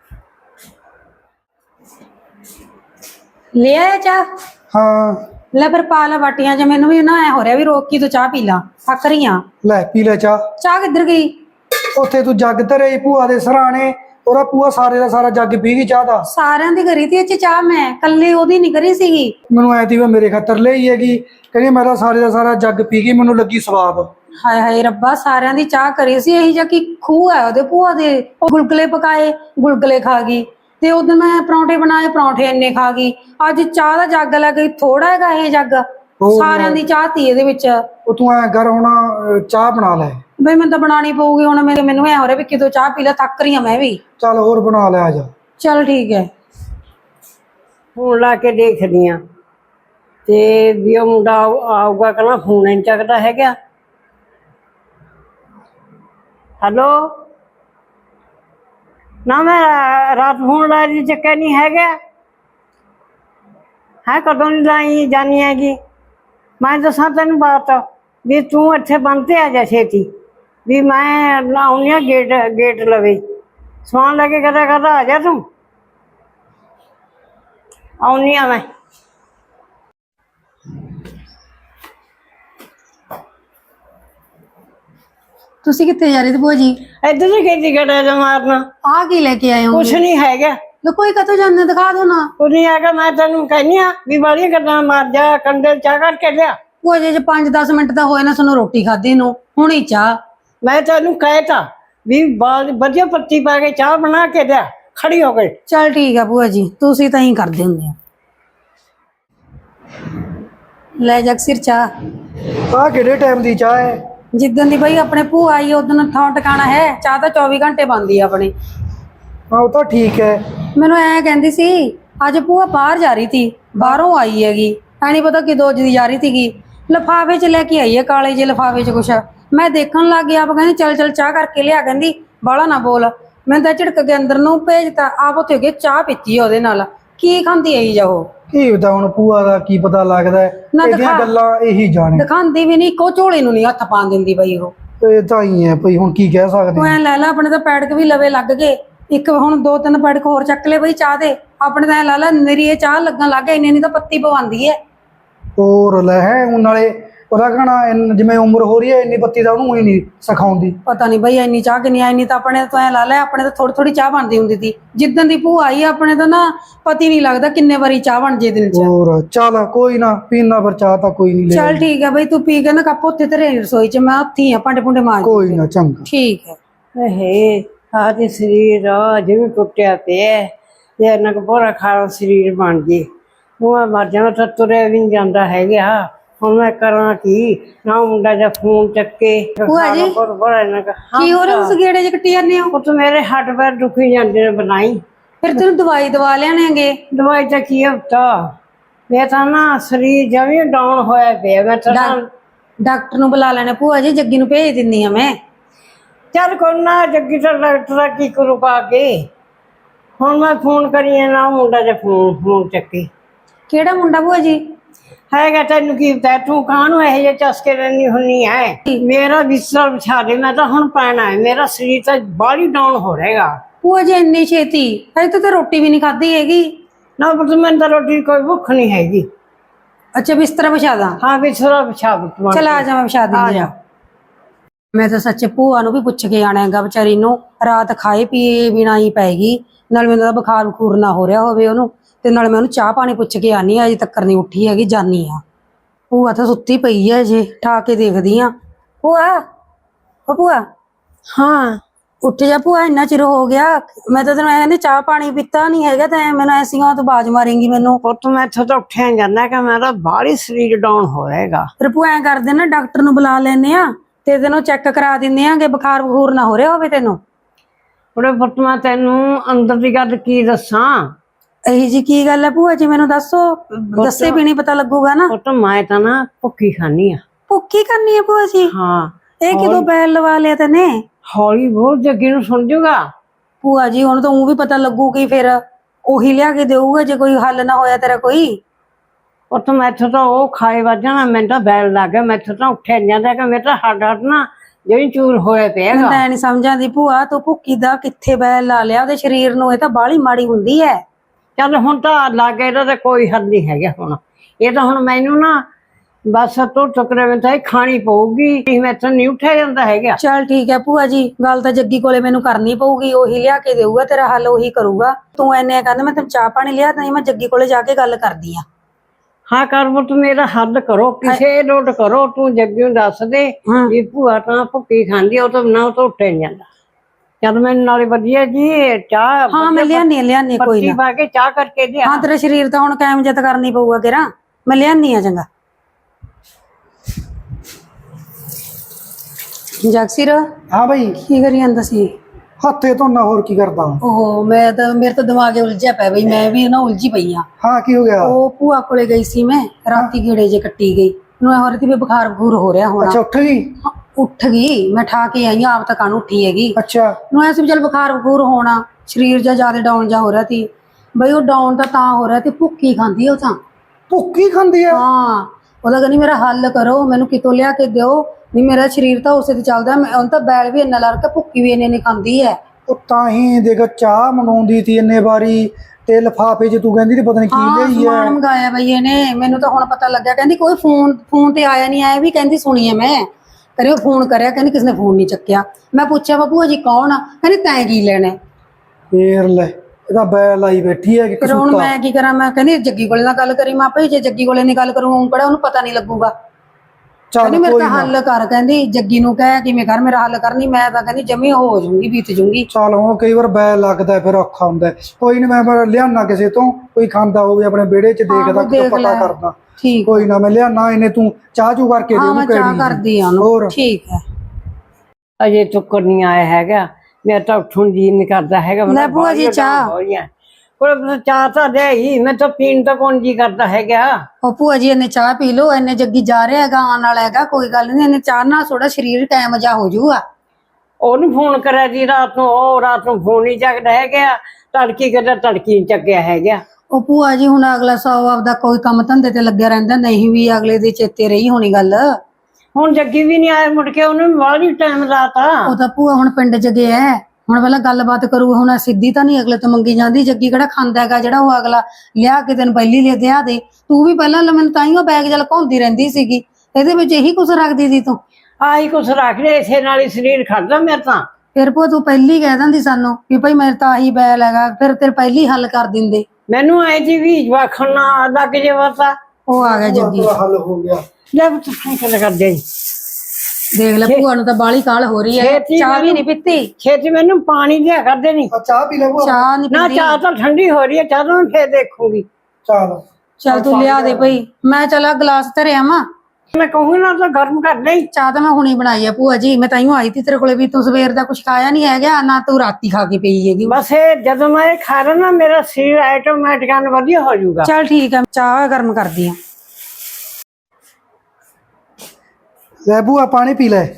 ਲੈ ਆਇਆ ਚਾਹ? ਹਾਂ ਲੈ ਫਿਰ ਪਾ ਲਾ ਬਾਟੀਆਂ 'ਚ। ਮੈਨੂੰ ਵੀ ਨਾ ਐ ਹੋ ਰਿਹਾ ਵੀ ਰੋਕ ਕੇ ਤੂੰ ਚਾਹ ਪੀ ਲਾ, ਥੱਕ ਰਹੀ ਆਂ। ਲੈ ਪੀ ਲੈ ਚਾਹ। ਚਾਹ ਕਿੱਧਰ ਗਈ? ਉੱਥੇ ਤੂੰ ਜੱਗ ਧਰੇ ਭੂਆ ਦੇ ਸਰਾਣੇ, ਉਹਦਾ ਭੂਆ ਸਾਰੇ ਦਾ ਸਾਰਾ ਜੱਗ ਪੀ ਗਈ ਚਾਹ ਦਾ। ਸਾਰਿਆਂ ਦੀ ਕਰੀ ਤੀ ਇਹ 'ਚ ਚਾਹ, ਮੈਂ ਕੱਲੀ ਉਹਦੀ ਨਹੀਂ ਕਰੀ ਸੀਗੀ। ਮੈਨੂੰ ਐ ਤੀ ਵੀ ਮੇਰੇ ਖਾਤਰ ਲਈ ਹੈਗੀ, ਕਹਿੰਦੀ ਮੈਂ ਤਾਂ ਸਾਰੇ ਦਾ ਸਾਰਾ ਜੱਗ ਪੀ ਗਈ, ਮੈਨੂੰ ਲੱਗੀ ਸਵਾਦ। ਹਾਏ ਹਾਏ ਰੱਬਾ, ਸਾਰਿਆਂ ਦੀ ਚਾਹ ਕਰੀ ਸੀ। ਇਹੀ ਜਿਹਾ ਕੀ ਖੂਹ ਹੈ ਉਹਦੇ ਭੂਆ ਦੇ। ਉਹ ਗੁਲਗੁਲੇ ਪਕਾਏ, ਗੁਲਗੁਲੇ ਖਾ ਗਈ। ਤੇ ਉਦੋਂ ਮੈਂ ਪਰੌਂਠੇ ਬਣਾਏ, ਪਰੌਂਠੇ ਇੰਨੇ ਖਾ ਗਈ। ਅੱਜ ਚਾਹ ਦਾ ਜੱਗ ਲੈ ਗਈ, ਥੋੜਾ ਹੈਗਾ ਇਹ ਜੱਗ, ਸਾਰਿਆਂ ਦੀ ਚਾਹ ਤੀ ਇਹਦੇ ਵਿੱਚ। ਉਹ ਤੂੰ ਐ ਕਰ ਹੁਣ ਅਹ, ਚਾਹ ਬਣਾ ਲੈ। ਬਈ ਮੈਨੂੰ ਤਾਂ ਬਣਾਣੀ ਪਊਗੀ ਹੁਣ। ਮੇਰੇ ਮੈਨੂੰ ਐ ਹੋ ਰਿਹਾ ਵੀ ਕਿਤੋਂ ਚਾਹ ਪੀ ਲੈ, ਥੱਕ ਰਹੀ ਆ ਮੈਂ ਵੀ। ਚੱਲ ਹੋਰ ਬਣਾ ਲੈ, ਆ ਜਾ। ਚਲ ਠੀਕ ਹੈ। ਫੋਨ ਲਾ ਕੇ ਦੇਖਦੀ ਆ ਤੇ ਵੀ ਉਹ ਮੁੰਡਾ ਆਊਗਾ ਕਹਿੰਦਾ ਫੋਨ ਨਹੀਂ ਚੱਕਦਾ ਹੈਗਾ। ਹੈਲੋ ਨਾ, ਮੈਂ ਰਾਤ ਫੋਨ ਲਾ ਰਹੀ ਚੱਕਿਆ ਨਹੀਂ ਹੈਗਾ। ਹੈ ਕਦੋਂ ਦੀ ਲਾਈ ਜਾਨੀ ਹੈਗੀ। ਮੈਂ ਦੱਸਾਂ ਤੈਨੂੰ ਬਾਤ ਵੀ ਤੂੰ ਇੱਥੇ ਬੰਦ ਤੇ ਆ ਜਾ ਛੇਤੀ, ਵੀ ਮੈਂ ਆਉਂਦੀ ਹਾਂ ਗੇਟ ਗੇਟ ਲਵੇ ਸਮਾਨ ਲੈ ਕੇ ਕਦਾ ਕਦਾ ਆ ਜਾ ਤੂੰ। ਆਉਂਦੀ ਹਾਂ ਮੈਂ। ਤੁਸੀਂ ਕਿੱਥੇ ਜਾ ਰਹੇ ਤੇ ਭੂਆ ਜੀ? ਇੱਧਰ ਹੀ ਖੇਤੀ ਕਰਿਆ ਜਾ ਮਾਰਨਾ। ਆਹ ਕੀ ਲੈ ਕੇ ਆਏ ਹੋ? ਕੁਛ ਨਹੀਂ ਹੈਗਾ। ਕੋਈ ਕਦੋਂ ਜਾਂਦੇ ਦਿਖਾ ਦੋ ਨਾ। ਕੁਛ ਨਹੀਂ ਹੈਗਾ। ਮੈਂ ਤੈਨੂੰ ਕਹਿੰਦੀ ਆ ਵੀ ਬਾਲੀਆਂ ਗੱਲਾਂ ਮਾਰ ਜਾ, ਕੰਡੇ ਚਾਹ ਕਰਕੇ ਲਿਆ। ਉਹ ਜੇ ਪੰਜ ਦਸ ਮਿੰਟ ਤਾਂ ਹੋਏ ਨਾ ਸਾਨੂੰ ਰੋਟੀ ਖਾਧੀ ਨੂੰ, ਹੁਣੀ ਚਾਹ। ਮੈਂ ਤੈਨੂੰ ਕਹਿਤਾ ਵੀ ਬਾਲ ਵਧੀਆ ਪੱਤੀ ਪਾ ਕੇ ਚਾਹ ਬਣਾ ਕੇ ਲਿਆ, ਖੜੀ ਹੋ ਗਈ। ਚਲ ਠੀਕ ਆ ਭੂਆ ਜੀ, ਤੁਸੀਂ ਤਾਂ ਹੀ ਕਰਦੇ ਹੁੰਦੇ ਆ। ਲੈ ਜਗਸੀਰ ਚਾਹ। ਆਹ ਕਿਹੜੇ ਟਾਈਮ ਦੀ ਚਾਹ ਹੈ? ਜਿੱਦਣ ਦੀ ਬਈ ਆਪਣੇ ਭੂਆ ਆਈ ਉਦੋਂ ਥਾਂ ਟਿਕਾਣਾ ਹੈ। ਚਾਹ ਤਾਂ ਚੌਵੀ ਘੰਟੇ ਬਣਦੀ ਆ ਆਪਣੀ। ਹਾਂ ਉਹ ਤਾਂ ਠੀਕ ਹੈ। ਮੈਨੂੰ ਐ ਕਹਿੰਦੀ ਸੀ ਅੱਜ ਭੂਆ ਬਾਹਰ ਜਾ ਰਹੀ ਤੀ, ਬਾਹਰੋਂ ਆਈ ਹੈਗੀ। ਐ ਨਹੀਂ ਪਤਾ ਕਿਦੋਂ ਦੀ ਜਾ ਰਹੀ ਸੀਗੀ। ਲਿਫਾਫੇ 'ਚ ਲੈ ਕੇ ਆਈ ਹੈ, ਕਾਲੇ ਜਿਹੇ ਲਿਫਾਫੇ 'ਚ ਕੁਛ। ਮੈਂ ਦੇਖਣ ਲੱਗ ਗਈ, ਆਪ ਕਹਿੰਦੀ ਚੱਲ ਚੱਲ ਚਾਹ ਕਰਕੇ ਲਿਆ। ਕਹਿੰਦੀ ਬਾਹਲਾ ਨਾ ਬੋਲ। ਮੈਂ ਤਾਂ ਝਿੜਕ ਕੇ ਅੰਦਰ ਨੂੰ ਭੇਜਤਾ, ਆਪ ਉੱਥੇ ਗਏ ਚਾਹ ਪੀਤੀ ਉਹਦੇ ਨਾਲ। ਕੀ ਖਾਂਦੀ ਆਈ ਜਾ ਉਹ? ਕੀ ਪਤਾ ਹੁਣ ਭੂਆ ਦਾ ਕੀ ਪਤਾ ਲੱਗਦਾ ਹੈ, ਨਾ ਇਹਦੀਆਂ ਦਿਖਾ। ਗੱਲਾਂ ਇਹੀ ਜਾਣੇ। ਦਿਖਾਉਂਦੀ ਵੀ ਨਹੀਂ, ਇੱਕੋ ਝੋਲੇ ਨੂੰ ਨਹੀਂ ਹੱਥ ਪਾਉਣ ਦਿੰਦੀ ਬਈ ਉਹ। ਇਹ ਤਾਂ ਹੀ ਹੈ ਭਈ, ਹੁਣ ਕੀ ਕਹਿ ਸਕਦੇ ਤੂੰ ਹਾਂ। ਐ ਲੈ ਲੈ, ਆਪਣੇ ਤਾਂ ਪੈੜਕ ਵੀ ਲਵੇ ਲੱਗ ਗਏ। ਇੱਕ ਹੁਣ ਦੋ ਤਿੰਨ ਪੈੜਕ ਹੋਰ ਚੱਕ ਲੈ ਬਈ ਚਾਹ ਦੇ। ਆਪਣੇ ਤਾਂ ਐ ਲੈ ਲੈ ਮੇਰੀ ਇਹ ਚਾਹ ਲੱਗਣ ਲੱਗ ਗਿਆ, ਇੰਨੀ ਨਹੀਂ ਤਾਂ ਪੱਤੀ ਪਵਾਉਂਦੀ ਹੈ। ਹੋਰ ਲੈ ਹੈ ਹੁਣ ਨਾਲੇ ਉਹਦਾ ਕਹਣਾ ਜਿਵੇਂ ਉਮਰ ਹੋ ਰਹੀ ਹੈ ਇੰਨੀ ਪੱਤੀ ਦਾ ਉਹਨੂੰ ਹੀ ਨਹੀਂ ਸਿਖਾਉਂਦੀ। ਪਤਾ ਨਹੀਂ ਬਈ ਇੰਨੀ ਚਾਹ ਕਿੰਨੀ ਇੰਨੀ ਤਾਂ ਆਪਣੇ ਤੋਂ ਐ ਲਾ ਲੈ, ਆਪਣੇ ਤਾਂ ਥੋੜੀ ਥੋੜੀ ਚਾਹ ਬਣਦੀ ਹੁੰਦੀ ਸੀ। ਜਿੱਦਣ ਦੀ ਭੂਆ ਆਈ ਆਪਣੇ ਤਾਂ ਨਾ ਪਤੀ ਨਹੀਂ ਲੱਗਦਾ ਕਿੰਨੇ ਵਾਰੀ ਚਾਹ ਬਣ ਜੇ ਦਿਨ 'ਚ। ਹੋਰ ਚੱਲ ਕੋਈ ਨਾ, ਪੀਣਾ ਪਰ ਚਾਹ ਤਾਂ ਕੋਈ ਨਹੀਂ ਲੈ। ਚੱਲ ਠੀਕ ਹੈ ਬਈ, ਤੂੰ ਪੀ ਕੇ ਨਾ ਕੱਪ ਉੱਥੇ ਤੇ ਰਸੋਈ 'ਚ, ਮੈਂ ਉੱਥੇ ਹੀ ਆ ਭਾਂਡੇ ਭੁੰਡੇ ਮਾਂਜ। ਕੋਈ ਨਾ ਚੰਗਾ। ਠੀਕ ਹੈ। ਹੇ ਆਦੇ ਸਰੀਰ ਜਿਵੇਂ ਟੁੱਟਿਆ ਪਿਆ ਤੇ ਨਕ ਬੋਰਾ ਖਾਰਾ ਸਰੀਰ ਬਣ ਗਈ। ਉਹ ਮਰ ਜਾਣਾ ਤਾਂ ਤੁਰਿਆ ਵੀ ਨਹੀਂ ਜਾਂਦਾ ਹੈਗਾ। ਹੁਣ ਮੈਂ ਕਰਾਂ ਕੀ? ਨਾ ਮੁੰਡਾ ਜਾਂ ਫੋਨ ਚੱਕੇ ਭੂਆ ਜੀ, ਕੀ ਹੋ ਰਿਹਾ? ਤੁਸੀਂ ਗੇੜੇ 'ਚ ਕੱਟੀ ਜਾਂਦੇ ਹੋ? ਉਹ ਤਾਂ ਮੇਰੇ ਹੱਡ ਪੈਰ ਦੁਖੀ ਜਾਂਦੇ ਨੇ ਬਣਾਈ। ਫਿਰ ਤੈਨੂੰ ਦਵਾਈ ਦਵਾ ਲਿਆਣਗੇ। ਦਵਾਈ ਤਾਂ ਕੀ ਹਫਤਾ ਮੈਂ ਤਾਂ ਨਾ ਸਰੀਰ ਜਮੀ ਡਾਊਨ ਹੋਇਆ ਪਿਆ। ਮੈਂ ਤਾਂ ਡਾ- ਡਾਕਟਰ ਨੂੰ ਬੁਲਾ ਲੈਣਾ ਭੂਆ ਜੀ, ਜੱਗੀ ਨੂੰ ਭੇਜ ਦਿੰਦੀ ਆ ਮੈਂ। ਚੱਲ ਕੋਈ ਨਾ, ਜੱਗੀ ਤਾਂ ਡਾਕਟਰ ਦਾ ਕੀ ਕਰੂ ਪਾ ਕੇ। ਹੁਣ ਮੈਂ ਫੋਨ ਕਰੀਏ ਨਾ ਮੁੰਡਾ ਜਾਂ ਫੋਨ ਫੋਨ ਚੱਕੇ। ਕਿਹੜਾ ਮੁੰਡਾ ਭੂਆ ਜੀ? ਹੈਗਾ ਤੈਨੂੰ ਕੀ ਪਤਾ, ਤੂੰ ਕਾਹਨੂੰ ਇਹੋ ਜਿਹੇ ਚਸਕੇ ਰਹਿੰਦੀ ਹੁੰਨੀ ਹੈ। ਮੇਰਾ ਬਿਸਤਰਾ ਵਿਛਾ ਦੇ, ਮੈਂ ਤਾਂ ਹੁਣ ਪੈਣਾ ਹੈ। ਮੇਰਾ ਸਰੀਰ ਤਾਂ ਬਾਹਲੀ ਡਾਊਨ ਹੋ ਰਹੇਗਾ। ਭੂਆ ਜੀ ਇੰਨੀ ਛੇਤੀ? ਅਜੇ ਤਾਂ ਰੋਟੀ ਵੀ ਨਹੀਂ ਖਾਧੀ ਹੈਗੀ। ਨਾ ਪੁੱਤ ਮੈਨੂੰ ਤਾਂ ਰੋਟੀ ਦੀ ਕੋਈ ਭੁੱਖ ਨਹੀਂ ਹੈਗੀ। ਅੱਛਾ ਬਿਸਤਰਾ ਵਿਛਾ ਦਾਂ? ਹਾਂ ਬਿਸਤਰਾ ਵਿਛਾ ਪੁੱਤ। ਚਲ ਆ ਜਾ, ਮੈਂ ਵਿਛਾ ਦਿੰਦੀ ਆ। ਮੈਂ ਤਾਂ ਸੱਚੇ ਭੂਆ ਨੂੰ ਵੀ ਪੁੱਛ ਕੇ ਆਣਾ ਹੈਗਾ ਵਿਚਾਰੀ ਨੂੰ। ਰਾਤ ਖਾਏ ਪੀਏ ਬਿਨਾਂ ਹੀ ਪੈਗੀ। ਨਾਲ ਮੈਨੂੰ ਤਾਂ ਬੁਖਾਰ ਬਖੂਰ ਨਾ ਹੋ ਰਿਹਾ ਹੋਵੇ ਉਹਨੂੰ, ਤੇ ਨਾਲ ਮੈਂ ਉਹਨੂੰ ਚਾਹ ਪਾਣੀ ਪੁੱਛ ਕੇ ਆਨੀ ਆ। ਅਜੇ ਤੱਕ ਨਹੀਂ ਉੱਠੀ ਹੈਗੀ, ਜਾਨੀ ਆ। ਭੂਆ ਤਾਂ ਸੁੱਤੀ ਪਈ ਹੈ ਜੇ, ਠਾ ਕੇ ਦੇਖਦੀ ਆ ਭੂਆ ਓ ਭੂਆ ਹਾਂ ਉੱਠ ਜਾ ਭੂਆ, ਇੰਨਾ ਚਿਰ ਹੋ ਗਿਆ। ਮੈਂ ਤਾਂ ਤੈਨੂੰ ਐ ਕਹਿੰਦੀ ਚਾਹ ਪਾਣੀ ਪੀਤਾ ਨਹੀਂ ਹੈਗਾ ਤਾਂ ਮੈਨੂੰ ਐ ਸੀਗਾ ਤੂੰ ਬਾਜ ਮਾਰੇਂਗੀ ਮੈਨੂੰ। ਪੁੱਤ ਮੈਂ ਇੱਥੋਂ ਤਾਂ ਉੱਠਿਆ ਨੀ ਜਾਂਦਾ ਕਿ ਮੇਰਾ ਬਾਹਲੀ ਸਰੀਰ ਡਾਊਨ ਹੋ ਰਹੇਗਾ। ਫਿਰ ਭੂਆ ਐ ਕਰਦੇ ਨਾ ਡਾਕਟਰ ਨੂੰ ਬੁਲਾ ਲੈਨੇ ਆ ਤੇ ਤੈਨੂੰ ਚੈੱਕ ਕਰਾ ਦਿੰਦੇ ਆ ਕਿ ਬੁਖਾਰ ਬਖੂਰ ਨਾ ਹੋ ਰਿਹਾ ਹੋਵੇ ਤੈਨੂੰ। ਉਹਦੇ ਪੁੱਤ ਮੈਂ ਤੈਨੂੰ ਅੰਦਰ ਦੀ ਗੱਲ ਕੀ ਦੱਸਾਂ। ਇਹੀ ਜੀ ਕੀ ਗੱਲ ਹੈ ਭੂਆ ਜੀ, ਮੈਨੂੰ ਦੱਸੋ। ਦੱਸੇ ਵੀ ਨਹੀਂ ਪਤਾ ਲੱਗੂਗਾ ਨਾ। ਪੁੱਤ ਮੈਂ ਤਾਂ ਨਾ ਭੁੱਖੀ ਖਾਨੀ ਆ। ਭੁੱਖੀ ਕਰਨੀ ਹੈ ਭੂਆ ਜੀ? ਹਾਂ ਇਹ ਕਿਦੋਂ ਬੈਲ ਲਵਾ ਲਿਆ ਤੈਨੇ? ਹੌਲੀ ਬੋਲ, ਜੱਗੀ ਨੂੰ ਸੁਣ ਜੂਗਾ। ਭੂਆ ਜੀ ਹੁਣ ਤਾਂ ਉਹ ਵੀ ਪਤਾ ਲੱਗੂਗੀ, ਫਿਰ ਉਹੀ ਲਿਆ ਕੇ ਦੇਊਗਾ ਜੇ ਕੋਈ ਹੱਲ ਨਾ ਹੋਇਆ ਤੇਰਾ ਕੋਈ। ਪੁੱਤ ਮੈਥੋਂ ਤਾਂ ਉਹ ਖਾਏ ਵੱਜ ਜਾਣਾ, ਮੈਨੂੰ ਤਾਂ ਬੈਲ ਲੱਗ ਗਿਆ। ਮੈਥੋਂ ਤਾਂ ਉੱਠਿਆ ਨੀ ਜਾਂਦਾ ਕਿ ਮੇਰੇ ਤਾਂ ਹੱਡ ਹੱਡ ਨਾ ਜਿਹੜੀ ਚੂਰ ਹੋਇਆ ਪਿਆ ਮੈਨੂੰ ਤਾਂ ਨਹੀਂ ਸਮਝ ਆਉਂਦੀ ਭੂਆ, ਤੂੰ ਭੁੱਕੀ ਦਾ ਕਿੱਥੇ ਬੈਲ ਲਾ ਲਿਆ ਉਹਦੇ ਸਰੀਰ ਨੂੰ? ਇਹ ਤਾਂ ਬਾਹਲੀ ਮਾੜੀ ਹੁੰਦੀ ਹੈ। ਚੱਲ ਹੁਣ ਤਾਂ ਲੱਗ ਗਿਆ, ਇਹਦਾ ਤਾਂ ਕੋਈ ਹੱਲ ਨਹੀਂ ਹੈਗਾ ਹੁਣ। ਇਹ ਤਾਂ ਹੁਣ ਮੈਨੂੰ ਨਾ ਬਸ ਤੂੰ ਟੁਕੜੇ ਵਿੱਚ ਤਾਂ ਖਾਣੀ ਪਊਗੀ। ਮੈਂ ਤਾਂ ਨਹੀਂ ਉੱਠਿਆ ਜਾਂਦਾ ਹੈਗਾ। ਚਲ ਠੀਕ ਹੈ ਭੂਆ ਜੀ, ਗੱਲ ਤਾਂ ਜੱਗੀ ਕੋਲੇ ਮੈਨੂੰ ਕਰਨੀ ਪਊਗੀ, ਉਹੀ ਲਿਆ ਕੇ ਦੇਊਗਾ ਤੇਰਾ ਹੱਲ, ਉਹੀ ਕਰੂਗਾ। ਤੂੰ ਐਨੇ ਕਹਿੰਦਾ ਮੈਂ ਤੈਨੂੰ ਚਾਹ ਪਾਣੀ ਲਿਆ, ਨਹੀਂ ਮੈਂ ਜੱਗੀ ਕੋਲੇ ਜਾ ਕੇ ਗੱਲ ਕਰਦੀ ਆ। ਹਾਂ ਕਰ ਤੂੰ ਮੇਰਾ ਹੱਲ ਕਰੋ, ਕਿਸੇ ਲੋਟ ਕਰੋ। ਤੂੰ ਜੱਗੀ ਨੂੰ ਦੱਸ ਦੇ ਵੀ ਭੂਆ ਤਾਂ ਭੁੱਕੀ ਖਾਂਦੀ, ਉਹ ਤਾਂ ਨਾ ਉਹ ਤਾਂ ਉੱਠਿਆ ਨੀ ਜਾਂਦਾ। ਚੱਲ ਮੈਨੂੰ ਨਾਲੇ ਵਧੀਆ ਜੀ ਚਾਹ। ਹਾਂ ਮੈਂ ਲਿਆਨੀ ਆ ਲਿਆਨੀ ਕੋਈ ਪੱਤੀ ਨਾ। ਪਾ ਕੇ ਚਾਹ ਕਰਕੇ ਦੇ। ਹਾਂ ਤੇਰਾ ਸਰੀਰ ਤਾਂ ਹੁਣ ਕਾਇਮ ਜਤ ਕਰਨੀ ਪਊਗਾ ਕਿਰਾ, ਮੈਂ ਲਿਆਨੀ ਆ। ਚੰਗਾ ਜਗਸੀਰ ਹਾਂ ਭਾਈ, ਕੀ ਕਰੀ ਜਾਂਦਾ ਸੀ? ਹੱਥੇ ਧੋਣਾ, ਹੋਰ ਕੀ ਕਰਦਾ। ਓਹੋ ਮੈਂ ਤਾਂ, ਮੇਰੇ ਤਾਂ ਦਿਮਾਗ ਉਲਝਿਆ ਪਿਆ ਬਈ, ਮੈਂ ਵੀ ਨਾ ਉਲਝੀ ਪਈ ਆ। ਹਾਂ ਕੀ ਹੋ ਗਿਆ? ਉਹ ਭੂਆ ਕੋਲੇ ਗਈ ਸੀ ਮੈਂ ਰਾਤੀ, ਗੇੜੇ ਜੇ ਕੱਟੀ ਗਈ। ਉਹਨੂੰ ਹੋਰ ਦੀ ਵੀ ਬੁਖਾਰ ਬਖੂਰ ਹੋ ਰਿਹਾ ਹੋਣਾ। ਅੱਛਾ ਉੱਠ ਗਈ? ਹਾਂ, ਉੱਠ ਗਈ, ਮੈਂ ਠਾ ਕੇ ਆਈ, ਆਪ ਤਾਂ ਕਾਹਨੂੰ ਉੱਠੀ ਹੈਗੀ। ਅੱਛਾ ਨੂੰ ਐਸੀ ਵੀ ਚੱਲ ਬੁਖਾਰ ਬਖੂਰ ਹੋਣਾ, ਸਰੀਰ ਜਾਂ ਜ਼ਿਆਦਾ ਡਾਊਨ ਜਾ ਹੋ ਰਿਹਾ ਸੀ ਬਈ। ਉਹ ਡਾਊਨ ਤਾਂ ਤਾਂ ਹੋ ਰਿਹਾ ਤੇ ਭੁੱਕੀ ਖਾਂਦੀ ਉਹ ਤਾਂ। ਭੁੱਕੀ ਖਾਂਦੀ ਆ? ਹਾਂ ਉਹਦਾ ਕਹਿੰਦੀ ਮੇਰਾ ਹੱਲ ਕਰੋ, ਮੈਨੂੰ ਕਿਤੋਂ ਲਿਆ ਕੇ ਦਿਓ, ਨਹੀਂ ਮੇਰਾ ਸਰੀਰ ਤਾਂ ਉਸੇ ਤੇ ਚੱਲਦਾ। ਮੈਂ ਉਹਨੂੰ ਤਾਂ ਬੈਲ ਵੀ ਇੰਨਾ ਲੱਗ ਕੇ ਭੁੱਕੀ ਵੀ ਇੰਨੇ ਨਹੀਂ ਖਾਂਦੀ ਹੈ। ਉਹ ਤਾਂ ਹੀ ਦੇਖ ਚਾਹ ਮੰਗਾਉਂਦੀ ਸੀ ਇੰਨੇ ਵਾਰੀ, ਤੇ ਲਿਫਾਫੇ 'ਚ ਤੂੰ ਕਹਿੰਦੀ ਪਤਾ ਨਹੀਂ ਕੀ ਹਾਂ ਲਈ ਸਮਾਨ ਹੈ। ਮੰਗਾਇਆ ਬਈ ਇਹਨੇ, ਮੈਨੂੰ ਤਾਂ ਹੁਣ ਪਤਾ ਲੱਗਿਆ। ਕਹਿੰਦੀ ਕੋਈ ਫੋਨ ਫੋਨ ਤੇ ਆਇਆ ਨਹੀਂ, ਆਇਆ ਵੀ ਕਹਿੰਦੀ ਸੁਣੀ ਹੈ ਮੈਂ ਕਰਿਓ ਫੋਨ ਕਰਿਆ, ਕਹਿੰਦੀ ਕਿਸੇ ਨੇ ਫੋਨ ਨਹੀਂ ਚੱਕਿਆ। ਮੈਂ ਪੁੱਛਿਆ ਬਾਪੂ ਜੀ ਕੌਣ ਆ? ਕਹਿੰਦੀ ਤੈਂ ਕੀ ਲੈਣਾ? ਫੇਰ ਲੈ ਇਹਦਾ ਬੈਲ ਲਾਈ ਬੈਠੀ ਹੈ ਕਿ ਫਿਰ ਹੁਣ ਮੈਂ ਕੀ ਕਰਾਂ? ਮੈਂ ਕਹਿੰਦੀ ਜੱਗੀ ਕੋਲੇ ਨਾਲ ਗੱਲ ਕਰੀ। ਮੈਂ ਭਾਈ ਜੇ ਜੱਗੀ ਕੋਲੇ ਨਹੀਂ ਗੱਲ ਕਰੂੰ ਕਿਹੜਾ ਉਹਨੂੰ ਪਤਾ ਨਹੀਂ ਲੱਗੂਗਾ। ਕਹਿੰਦੀ ਚੱਲ ਮੇਰੇ ਕੋਈ ਤਾਂ ਨਾ, ਹੱਲ ਕਰ, ਕਹਿੰਦੀ ਜੱਗੀ ਨੂੰ ਕਹਿ ਕਿਵੇਂ ਕਰ ਮੇਰਾ ਹੱਲ ਕਰਨੀ। ਮੈਂ ਤਾਂ ਕਹਿੰਦੀ ਜਮੀ ਹੋ ਜੂੰਗੀ, ਬੀਤ ਜੂੰਗੀ। ਚੱਲ ਹੁਣ ਕਈ ਵਾਰ ਬੈਲ ਲੱਗਦਾ ਫਿਰ ਔਖਾ ਹੁੰਦਾ। ਕੋਈ ਨੀ ਮੈਂ ਲਿਆਣਾ ਕਿਸੇ ਤੋਂ, ਕੋਈ ਖਾਂਦਾ ਹੋਵੇ ਆਪਣੇ ਵਿਹੜੇ 'ਚ ਦੇਖਦਾ, ਕਿਤੇ ਪਤਾ ਕਰਦਾ। ਠੀਕ ਕੋਈ ਨਾ ਮੈਂ ਲਿਆਣਾ। ਇਹਨੇ ਤੂੰ ਚਾਹ ਚੂ ਕਰਕੇ ਦੇ ਹਾਂ ਉਹਨੂੰ ਮੈਂ ਚਾਹ ਕਰਦੀ ਆ ਉਹਨੂੰ। ਠੀਕ ਹੈ। ਅਜੇ ਤੁੱਕਰ ਨਹੀਂ ਆਇਆ ਹੈਗਾ, ਮੇਰਾ ਤਾਂ ਉੱਠਣ ਜੀ ਨਹੀਂ ਕਰਦਾ ਹੈਗਾ। ਲੈ ਭੂਆ ਜੀ ਚਾਹ। ਕੋਈ ਚਾਹ ਤਾਂ ਦੇ ਹੀ, ਮੈਂ ਤਾਂ ਪੀਣ ਤਾਂ ਕੌਣ ਜੀ ਕਰਦਾ ਹੈਗਾ। ਉਹ ਭੂਆ ਜੀ ਇਹਨੇ ਚਾਹ ਪੀ ਲਓ, ਇਹਨੇ ਜੱਗੀ ਜਾ ਰਿਹਾ ਹੈਗਾ, ਆਉਣ ਵਾਲਾ ਹੈਗਾ, ਕੋਈ ਗੱਲ ਨਹੀਂ। ਇਹਨੇ ਚਾਹ ਨਾਲ ਥੋੜਾ ਸਰੀਰ ਕਾਇਮ ਜਾ ਹੋ ਜਾਊਗਾ। ਉਹਨੂੰ ਫੋਨ ਕਰਿਆ ਜੀ ਰਾਤ ਨੂੰ, ਉਹ ਰਾਤ ਨੂੰ ਫੋਨ ਨਹੀਂ ਚੱਕਦਾ ਹੈਗਾ। ਤੜਕੀ ਕਹਿੰਦਾ ਤੜਕੀ ਨਹੀਂ ਚੱਕਿਆ ਹੈਗਾ। ਉਹ ਭੂਆ ਜੀ ਹੁਣ ਅਗਲਾ ਸੌ ਆਪਦਾ ਕੋਈ ਕੰਮ ਧੰਦੇ ਤੇ ਲੱਗਿਆ ਰਹਿੰਦਾ, ਨਹੀਂ ਵੀ ਅਗਲੇ ਦੇ ਚੇਤੇ ਰਹੀ ਹੋਣੀ ਗੱਲ। ਹੁਣ ਜੱਗੀ ਵੀ ਨਹੀਂ ਆਇਆ ਮੁੜ ਕੇ, ਉਹਨੂੰ ਬਾਹਲੀ ਟਾਈਮ ਲਾਤਾ। ਉਹ ਤਾਂ ਭੂਆ ਹੁਣ ਪਿੰਡ ਚ ਗਿਆ ਹੈ, ਹੁਣ ਪਹਿਲਾਂ ਗੱਲਬਾਤ ਕਰੂ। ਹੁਣ ਸਿੱਧੀ ਤਾਂ ਨਹੀਂ ਅਗਲੇ ਤੋਂ ਮੰਗੀ ਜਾਂਦੀ। ਜੱਗੀ ਕਿਹੜਾ ਖਾਂਦਾ ਹੈਗਾ ਜਿਹੜਾ ਉਹ ਅਗਲਾ ਲਿਆ ਕੇ ਤੈਨੂੰ ਪਹਿਲੀ ਲੈ ਦਿਆ ਦੇ। ਤੂੰ ਵੀ ਪਹਿਲਾਂ ਮੈਨੂੰ ਤਾਂ ਹੀ ਉਹ ਬੈਗ ਜਲ ਘੁੰਮਦੀ ਰਹਿੰਦੀ ਸੀਗੀ, ਇਹਦੇ ਵਿੱਚ ਇਹੀ ਕੁਛ ਰੱਖਦੀ ਸੀ ਤੂੰ। ਆਹੀ ਕੁਛ ਰੱਖ ਲਿਆ, ਇਸੇ ਨਾਲ ਹੀ ਸਰੀਰ ਖੜਦਾ ਮੇਰਾ ਤਾਂ। ਫਿਰ ਭੂਆ ਤੂੰ ਪਹਿਲੀ ਕਹਿ ਦਿੰਦੀ ਸਾਨੂੰ ਵੀ ਭਾਈ ਮੇਰੇ ਤਾਂ ਆਹੀ ਬੈਲ ਹੈਗਾ, ਫਿਰ ਤੇਰੇ ਪਹਿਲੀ ਹੱਲ ਕਰ ਦਿੰਦੇ। ਮੈਨੂੰ ਆਏ ਜੀ ਵੀ ਵਾਖਣ ਨਾ ਲੱਗ ਜੇ ਵਰਤਾ। ਉਹ ਆ ਗਿਆ ਜੱਗੀ। ਹੱਲ ਹੋ ਗਿਆ। ਲੈ ਤੁਸੀਂ ਕਿੱਥੇ ਕਰਦੇ ਜੀ? ਦੇਖ ਲੈ ਭੂਆ ਨੂੰ ਤਾਂ ਬਾਹਲੀ ਕਾਲ ਹੋ ਰਹੀ ਹੈ, ਚਾਹ ਵੀ ਨਹੀਂ ਪੀਤੀ। ਖੇਤ ਮੈਨੂੰ ਪਾਣੀ ਲਿਆ ਕਰਦੇ ਨਹੀਂ। ਚਾਹ ਪੀ ਲੈ ਭੂਆ। ਚਾਹ ਨਹੀਂ ਨਾ ਪੀਤੀ। ਚਾਹ ਤਾਂ ਠੰਡੀ ਹੋ ਰਹੀ ਹੈ, ਚਾਹ ਤਾਂ ਮੈਂ ਫੇਰ ਦੇਖੂਗੀ। ਚੱਲ ਚੱਲ ਤੂੰ ਲਿਆ ਦੇ ਭਈ, ਮੈਂ ਚਲਾ ਗਲਾਸ ਧਰਿਆ ਵਾਂ। ਮੈਂ ਕਹੂੰਗੀ ਨਾ ਤਾਂ ਗਰਮ ਕਰ ਦੇ। ਚਾਹ ਤਾਂ ਮੈਂ ਹੁਣੀ ਬਣਾਈ ਆ ਭੂਆ ਜੀ, ਮੈਂ ਤਾਈਓ ਆਈ ਤੀ ਤੇਰੇ ਕੋਲੇ ਵੀ ਤੂੰ ਸਵੇਰ ਦਾ ਕੁਛ ਖਾਇਆ ਨਹੀਂ ਹੈਗਾ, ਨਾ ਤੂੰ ਰਾਤੀ ਖਾ ਕੇ ਪਈ ਹੈਗੀ। ਬਸ ਇਹ ਜਦੋਂ ਮੈਂ ਇਹ ਖਾ ਲਾਂ ਨਾ ਮੇਰਾ ਸਰੀਰ ਆਟੋਮੈਟਿਕ ਵਧੀਆ ਹੋ ਜਾਊਗਾ। ਚੱਲ ਠੀਕ ਹੈ, ਚਾਹ ਗਰਮ ਕਰਦੀ ਆ। ਲੈ ਭੂਆ ਪਾਣੀ ਪੀ ਲੈ।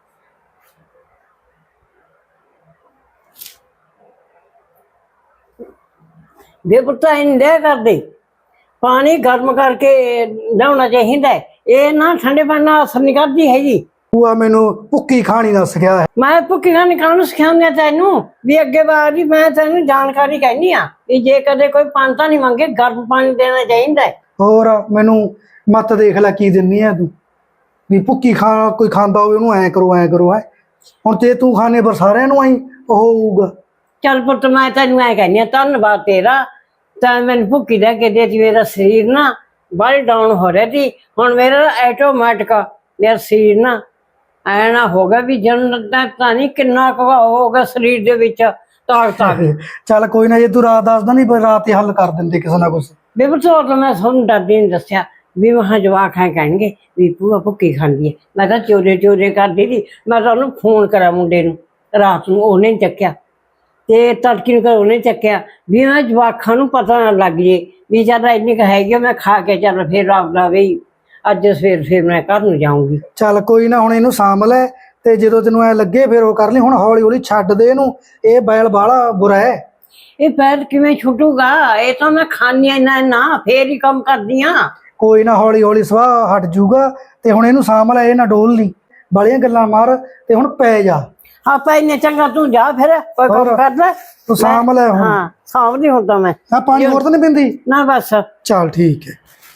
ਬੇਪੁੱਤਾ ਇੰਦੇ ਕਰਦੇ ਪਾਣੀ ਗਰਮ ਕਰਕੇ ਨਹਾਉਣਾ ਚਾਹੀਦਾ। ਇਹ ਨਾ ਠੰਡੇ ਪਾਣੀ ਨਾਲ ਅਸਰ ਨਹੀਂ ਕਰਦੀ ਹੈਗੀ। ਭੂਆ ਮੈਨੂੰ ਭੁੱਕੀ ਖਾਣੀ ਦਾ ਸਿਖਿਆ ਹੈ। ਮੈਂ ਭੁੱਕੀ ਖਾਣੀ ਕਾਹਨੂੰ ਸਿਖਾਉਂਦੇ ਤੈਨੂੰ ਵੀ ਅੱਗੇ ਵਾਰੀ ਮੈਂ ਤੈਨੂੰ ਜਾਣਕਾਰੀ ਕਹਿੰਦੀ ਆ ਵੀ ਜੇ ਕਦੇ ਕੋਈ ਪਾਣੀ ਨਹੀਂ ਮੰਗੇ ਗਰਮ ਪਾਣੀ ਦੇਣਾ ਚਾਹੀਦਾ। ਹੋਰ ਮੈਨੂੰ ਮੱਤ ਦੇਖ ਲੈ ਕੀ ਦਿੰਨੀ ਆ ਤੂੰ ਵੀ ਭੁੱਕੀ ਖਾ ਕੋਈ ਖਾਂਦਾ ਹੋਵੇ ਉਹਨੂੰ ਐ ਕਰੋ ਐ ਕਰੋ ਹੈ। ਹੁਣ ਤੇ ਤੂੰ ਖਾਣੇ ਪਰ ਸਾਰਿਆਂ ਨੂੰ ਆਈ ਉਹ ਹੋਊਗਾ। ਚੱਲ ਪੁੱਤ ਮੈਂ ਤੈਨੂੰ ਐ ਕਹਿੰਦੀ ਆ ਧੰਨਵਾਦ ਤੇਰਾ, ਤਾਂ ਮੈਨੂੰ ਭੁੱਕੀ ਲੈ ਕੇ ਦੇ। ਮੇਰਾ ਸਰੀਰ ਨਾ ਬਾਹਲੀ ਡਾਊਨ ਹੋ ਰਿਹਾ ਸੀ, ਹੁਣ ਮੇਰਾ ਆਟੋਮੈਟਿਕ ਮੇਰਾ ਸਰੀਰ ਨਾ ਐ ਨਾ ਹੋ ਗਿਆ ਵੀ ਜਨ ਤਾਂ ਨਹੀਂ ਕਿੰਨਾ ਕੁ ਹੋ ਗਿਆ ਸਰੀਰ ਦੇ ਵਿੱਚ ਤਾਕਤ ਆ ਗਈ। ਚੱਲ ਕੋਈ ਨਾ, ਜੇ ਤੂੰ ਰਾਤ ਦੱਸਦਾ ਨਹੀਂ ਪਰ ਰਾਤ ਹੀ ਹੱਲ ਕਰ ਦਿੰਦੇ ਕਿਸੇ ਨਾ ਕੁਛ। ਬੇਬਤੋ ਤਾਂ ਮੈਂ ਤੁਹਾਨੂੰ ਡਰਦੀ ਨਹੀਂ ਦੱਸਿਆ ਵੀ ਮਹਾਂ ਜਵਾਕ ਹੈ ਕਹਿਣਗੇ ਵੀ ਭੂਆ ਭੁੱਕੀ ਖਾਂਦੀ ਹੈ। ਮੈਂ ਤਾਂ ਚੋਰੇ ਚੋਰੇ ਕਰਦੀ ਸੀ। ਮੈਂ ਤਾਂ ਉਹਨੂੰ ਫੋਨ ਕਰਾਂ ਮੁੰਡੇ ਨੂੰ ਰਾਤ ਨੂੰ, ਉਹਨੇ ਨੀ ਚੱਕਿਆ ਤੇ ਤੜਕੀ ਨੂੰ ਕਰ ਉਹਨੇ ਚੱਕਿਆ ਵੀ ਮੈਂ ਜਵਾਕਾਂ ਨੂੰ ਪਤਾ ਨਾ ਲੱਗ ਜੇ ਵੀ ਚੱਲ ਇੰਨੀ ਕੁ ਹੈਗੀ ਆ, ਮੈਂ ਖਾ ਕੇ ਚੱਲ ਫਿਰ ਆਪਦਾ ਵੀ ਅੱਜ ਸਵੇਰ ਫਿਰ ਮੈਂ ਘਰ ਨੂੰ ਜਾਊਂਗੀ। ਚੱਲ ਕੋਈ ਨਾ, ਹੁਣ ਇਹਨੂੰ ਸਾਂਭ ਲੈ ਤੇ ਜਦੋਂ ਤੈਨੂੰ ਐ ਲੱਗੇ ਫਿਰ ਉਹ ਕਰ ਲਈ। ਹੁਣ ਹੌਲੀ ਹੌਲੀ ਛੱਡ ਦੇ ਇਹਨੂੰ, ਇਹ ਬੈਲ ਬਾਹਲਾ ਬੁਰਾ ਹੈ। ਇਹ ਪੈਰ ਕਿਵੇਂ ਛੁੱਟੂਗਾ? ਇਹ ਤਾਂ ਮੈਂ ਖਾਣੀ ਇੰਨਾ ਨਾ ਫੇਰ ਹੀ ਕੰਮ ਕਰਦੀ ਆ। ਕੋਈ ਨਾ, ਹੌਲੀ ਹੌਲੀ ਸਵਾਹ ਹਟ ਜੂਗਾ। ਤੇ ਹੁਣ ਇਹਨੂੰ ਸਾਂਭ ਲੈ, ਇਹ ਨਾ ਡੋਲ ਨਹੀਂ, ਬਾਲੀਆਂ ਗੱਲਾਂ ਮਾਰ ਤੇ ਹੁਣ ਪੈ ਜਾ। ਆਪਾਂ ਇੰਨੇ ਚੰਗਾ ਤੂੰ ਜਾ ਫਿਰ ਕੋਈ ਕੰਮ ਕਰ ਲੈ, ਤੂੰ ਸਾਂਭ ਲੈ ਹੁਣ। ਹਾਂ ਸਾਂਭ ਨਹੀਂ ਹੁੰਦਾ ਮੈਂ। ਆ ਪਾਣੀ ਹੋਰ ਤਾਂ ਨਹੀਂ ਪੀਂਦੀ? ਨਾ ਬਸ। ਚੱਲ ਠੀਕ ਹੈ।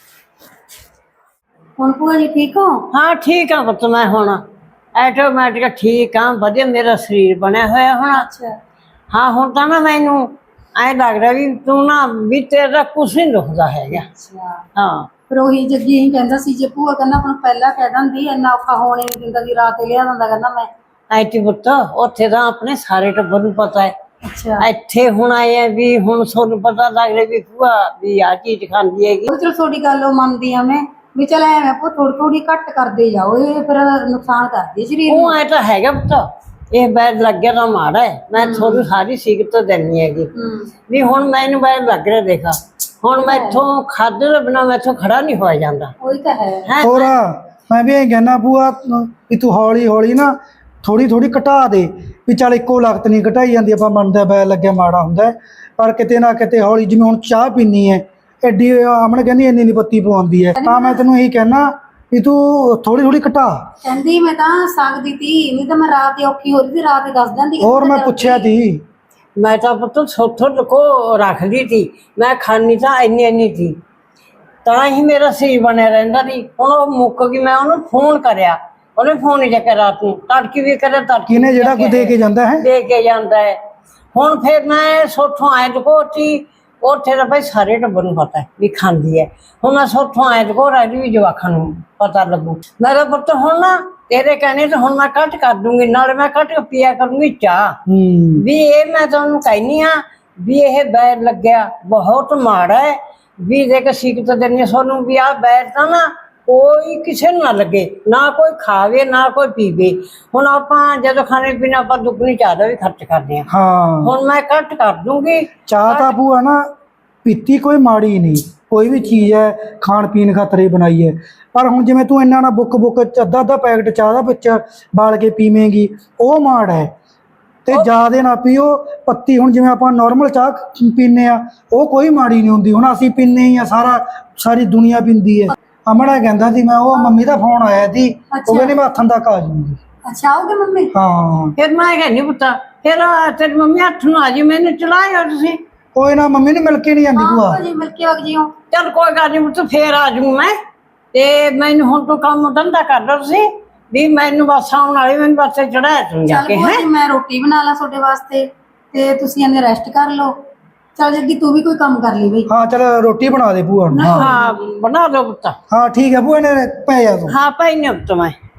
ਹੁਣ ਭੂਆ ਜੀ ਠੀਕ ਹੋ? ਹਾਂ ਠੀਕ ਆ ਪੁੱਤ, ਮੈਂ ਹੁਣ ਆਟੋਮੈਟਿਕ ਠੀਕ ਆ, ਵਧੀਆ ਮੇਰਾ ਸਰੀਰ ਬਣਿਆ ਹੋਇਆ ਹੁਣ। ਅੱਛਾ। ਹਾਂ ਹੁਣ ਤਾਂ ਨਾ ਮੈਨੂੰ ਐਂ ਲੱਗਦਾ ਵੀ ਤੂੰ ਨਾ ਵੀ ਤੇਰਾ ਕੁਛ ਨਹੀਂ ਦੁਖਦਾ ਹੈਗਾ। ਅੱਛਾ। ਹਾਂ ਫਿਰ ਉਹੀ ਜੱਗੀ ਹੀ ਕਹਿੰਦਾ ਸੀ ਜੇ ਭੂਆ ਕਹਿੰਦਾ ਆਪਾਂ ਨੂੰ ਪਹਿਲਾਂ ਕਹਿ ਦਿੰਦੀ ਇੰਨਾ ਔਖਾ ਹੋਣ ਹੀ ਨਹੀਂ ਦਿੰਦਾ ਵੀ ਰਾਤ ਹੀ ਲਿਆ ਦਿੰਦਾ, ਕਹਿੰਦਾ ਮੈਂ। ਐਤੀ ਪੁੱਤ ਉੱਥੇ ਤਾਂ ਆਪਣੇ ਸਾਰੇ ਟੱਬਰ ਨੂੰ ਪਤਾ ਹੈ। ਅੱਛਾ। ਇੱਥੇ ਹੁਣ ਆਏ ਆ ਵੀ ਹੁਣ ਤੁਹਾਨੂੰ ਪਤਾ ਲੱਗ ਰਿਹਾ ਵੀ ਭੂਆ ਵੀ ਆ ਚੀਜ਼ ਖਾਂਦੀ ਹੈਗੀ। ਉਹ ਚਲੋ ਤੁਹਾਡੀ ਗੱਲ ਉਹ ਮੰਨਦੀ ਆ ਮੈਂ ਵੀ ਚਲ ਐਵੇਂ ਭੂ ਥੋੜੀ ਥੋੜੀ ਘੱਟ ਕਰਦੇ ਜਾਓ, ਇਹ ਫਿਰ ਨੁਕਸਾਨ ਕਰਦੀ ਸਰੀਰ ਨੂੰ। ਉਹ ਐ ਤਾਂ ਹੈਗਾ ਪੁੱਤ, ਇਹ ਬੈਡ ਲੱਗਿਆ ਤਾਂ ਮਾੜਾ ਹੈ। ਮੈਂ ਤੁਹਾਨੂੰ ਸਾਰੀ ਸਿਗਰਟ ਦੇਣੀ ਹੈਗੀ ਵੀ ਹੁਣ ਮੈਨੂੰ ਬੈਡ ਲੱਗ ਰਿਹਾ। ਦੇਖਾ ਹੁਣ ਮੈਥੋਂ ਖਾਦੇ ਦੇ ਬਿਨਾਂ ਮੈਥੋਂ ਖੜਾ ਨਹੀਂ ਹੋਇਆ ਜਾਂਦਾ। ਉਹੀ ਤਾਂ ਹੈ। ਹੋਰ ਮੈਂ ਵੀ ਇਹ ਕਹਿਣਾ ਭੂਆ ਵੀ ਤੂੰ ਹੌਲੀ ਹੌਲੀ ਨਾ ਥੋੜੀ ਥੋੜੀ ਘਟਾ ਦੇ, ਵੀ ਚੱਲ ਇੱਕੋ ਲਖਤ ਨਹੀਂ ਘਟਾਈ ਜਾਂਦੀ। ਆਪਾਂ ਮੰਨਦਾ ਬੈਲ ਲੱਗਿਆ ਮਾੜਾ ਹੁੰਦਾ ਹੈ, ਪਰ ਕਿਤੇ ਨਾ ਕਿਤੇ ਹੌਲੀ, ਜਿਵੇਂ ਹੁਣ ਚਾਹ ਪੀਣੀ ਹੈ ਐਡੀ ਆਮਣ ਕਹਿੰਦੀ ਇੰਨੀ ਨੀ ਪੱਤੀ ਪਵਾਉਂਦੀ ਹੈ, ਤਾਂ ਮੈਂ ਤੈਨੂੰ ਇਹੀ ਕਹਿਣਾ ਵੀ ਤੂੰ ਥੋੜੀ ਥੋੜੀ ਘਟਾ। ਕਹਿੰਦੀ ਮੈਂ ਤਾਂ ਸਕਦੀ ਤੀ, ਨਹੀਂ ਤਾਂ ਮੈਂ ਰਾਤ ਹੀ ਔਖੀ ਹੋ ਰਹੀ ਸੀ, ਰਾਤ ਹੀ ਦੱਸ ਦਿੰਦੀ। ਹੋਰ ਮੈਂ ਪੁੱਛਿਆ ਤੀ। ਮੈਂ ਤਾਂ ਪੁੱਤ ਸੋਥੋਂ ਲੁਕੋ ਰੱਖਦੀ ਤੀ, ਮੈਂ ਖਾਣੀ ਤਾਂ ਇੰਨੀ ਇੰਨੀ ਤੀ, ਤਾਂ ਹੀ ਮੇਰਾ ਸਰੀਰ ਬਣਿਆ ਰਹਿੰਦਾ ਸੀ। ਹੁਣ ਉਹ ਮੁੱਕ ਗਈ, ਮੈਂ ਉਹਨੂੰ ਫੋਨ ਕਰਿਆ, ਉਹਨੇ ਫੋਨ ਨਹੀਂ ਚੱਕਿਆ ਰਾਤ ਨੂੰ, ਤੜਕੀ ਵੀ ਕਰਿਆ ਤੜਕੀ ਕਿਨੇ ਜਿਹੜਾ ਕੋਈ ਦੇ ਕੇ ਜਾਂਦਾ ਹੈ ਦੇ ਕੇ ਜਾਂਦਾ ਹੈ। ਹੁਣ ਫਿਰ ਮੈਂ ਸੋਥੋਂ ਆਏ ਲੁਕੋਤੀ, ਉੱਥੇ ਤਾਂ ਭਾਈ ਸਾਰੇ ਟੱਬਰ ਨੂੰ ਪਤਾ ਵੀ ਖਾਂਦੀ ਹੈ। ਹੁਣ ਮੈਂ ਸੋਥੋਂ ਆਏ ਲੁਕੋ ਰਹੀ ਵੀ ਜਵਾਕਾਂ ਨੂੰ ਪਤਾ ਲੱਗੂ। ਮੇਰਾ ਪੁੱਤ ਹੁਣ ਨਾ ਤੇਰੇ ਕਹਿਣੇ ਤੇ ਹੁਣ ਮੈਂ ਘੱਟ ਕਰ ਦੂੰਗੀ, ਨਾਲੇ ਮੈਂ ਘੱਟ ਪੀਆ ਕਰੂੰਗੀ ਚਾਹ। ਵੀ ਇਹ ਮੈਂ ਤੁਹਾਨੂੰ ਕਹਿਨੀ ਆ ਵੀ ਇਹ ਬੈਰ ਲੱਗਿਆ ਬਹੁਤ ਮਾੜਾ ਹੈ। ਵੀ ਦੇਖ ਸਿੱਖਤ ਦਿੰਦੀ ਤੁਹਾਨੂੰ ਵੀ ਆਹ ਬੈਰ ਤਾਂ ਨਾ ਕੋਈ ਕਿਸੇ ਨੂੰ ਨਾ ਲੱਗੇ, ਨਾ ਕੋਈ ਖਾਵੇ ਨਾ ਕੋਈ ਪੀਵੇ। ਹੁਣ ਆਪਾਂ ਜਦੋਂ ਖਾਣੇ ਪੀਣੇ ਆਪਾਂ ਦੁੱਗਣੀ ਚਾਹ ਦਾ ਵੀ ਖਰਚ ਕਰਦੇ ਹਾਂ। ਹਾਂ ਹੁਣ ਮੈਂ ਘੱਟ ਕਰ ਦੂੰਗੀ ਚਾਹ ਤਾਂ ਭੂਆ ਨਾ ਪੀਤੀ ਕੋਈ ਮਾੜੀ ਨਹੀਂ, ਕੋਈ ਵੀ ਚੀਜ਼ ਹੈ ਖਾਣ ਪੀਣ ਖਾਤਰ ਹੀ ਬਣਾਈ ਹੈ। ਪਰ ਹੁਣ ਜਿਵੇਂ ਤੂੰ ਇੰਨਾ ਨਾ ਬੁੱਕ ਬੁੱਕ ਅੱਧਾ ਅੱਧਾ ਪੈਕਟ ਚਾਹ ਦਾ ਵਿੱਚ ਬਾਲ ਕੇ ਪੀਵੇਂਗੀ, ਉਹ ਮਾੜ ਹੈ। ਤੇ ਜ਼ਿਆਦਾ ਨਾ ਪੀਓ ਪੱਤੀ। ਹੁਣ ਜਿਵੇਂ ਆਪਾਂ ਨਾਰਮਲ ਚਾਹ ਪੀਂਦੇ ਆ ਉਹ ਕੋਈ ਮਾੜੀ ਨਹੀਂ ਹੁੰਦੀ, ਹੁਣ ਅਸੀਂ ਪੀਂਦੇ ਹੀ ਆ, ਸਾਰਾ ਸਾਰੀ ਦੁਨੀਆ ਪੀਂਦੀ ਹੈ। ਅਮੜਾ ਕਹਿੰਦਾ ਸੀ, ਮੈਂ ਉਹ ਮੰਮੀ ਦਾ ਫੋਨ ਆਇਆ ਸੀ, ਉਹ ਕਹਿੰਦੀ ਮੈਂ ਹੱਥਾਂ ਤੱਕ ਆ ਜਾਊਂਗੀ। ਅੱਛਾ ਆਓਗੇ ਮੰਮੀ? ਹਾਂ ਫਿਰ ਮੈਂ ਕਹਿੰਦੀ ਪੁੱਤਾ ਫਿਰ ਤੇਰੀ ਮੰਮੀ ਹੱਥ ਨੂੰ ਆ ਜੀ, ਮੈਨੂੰ ਚਲਾਇਓ ਤੁਸੀਂ। ਕੋਈ ਨਾ, ਮੰਮੀ ਨੂੰ ਮਿਲ ਕੇ ਨਹੀਂ ਜਾਂਦੀ ਭੂਆ। ਜੀ ਮਿਲ ਕੇ ਵਗ ਜਿਓ। ਚੱਲ ਕੋਈ ਗੱਲ ਨਹੀਂ ਪੁੱਤ, ਫੇਰ ਆ ਜਾਊਂ ਮੈਂ। ਤੇ ਮੈਨੂੰ ਹੁਣ ਤੂੰ ਕੰਮ ਧੰਦਾ ਕਰ ਲਓ ਤੁਸੀਂ ਵੀ, ਮੈਨੂੰ ਬੱਸ ਆਉਣ ਵਾਲੀ, ਮੈਨੂੰ ਬੱਸੇ ਚੜਾਇਆ ਤੂੰ ਜਾ ਕੇ। ਹੈ ਮੈਂ ਰੋਟੀ ਬਣਾ ਲਾ ਤੁਹਾਡੇ ਵਾਸਤੇ ਤੇ ਤੁਸੀਂ ਇਹਨੇ ਰੈਸਟ ਕਰ ਲਓ। ਚੱਲ ਜੱਗੀ ਤੂੰ ਵੀ ਕੋਈ ਕੰਮ ਕਰ ਲਈ ਬਈ। ਹਾਂ ਚੱਲ ਰੋਟੀ ਬਣਾ ਦੇ ਭੂਆ ਨੂੰ। ਹਾਂ ਬਣਾ ਦੋ ਪੁੱਤ। ਹਾਂ ਠੀਕ ਹੈ ਭੂਆ ਨੇ ਪੈ ਜਾ ਤੂੰ। ਹਾਂ ਭਾਈ ਨੇ ਪੁੱਤ ਮੈਂ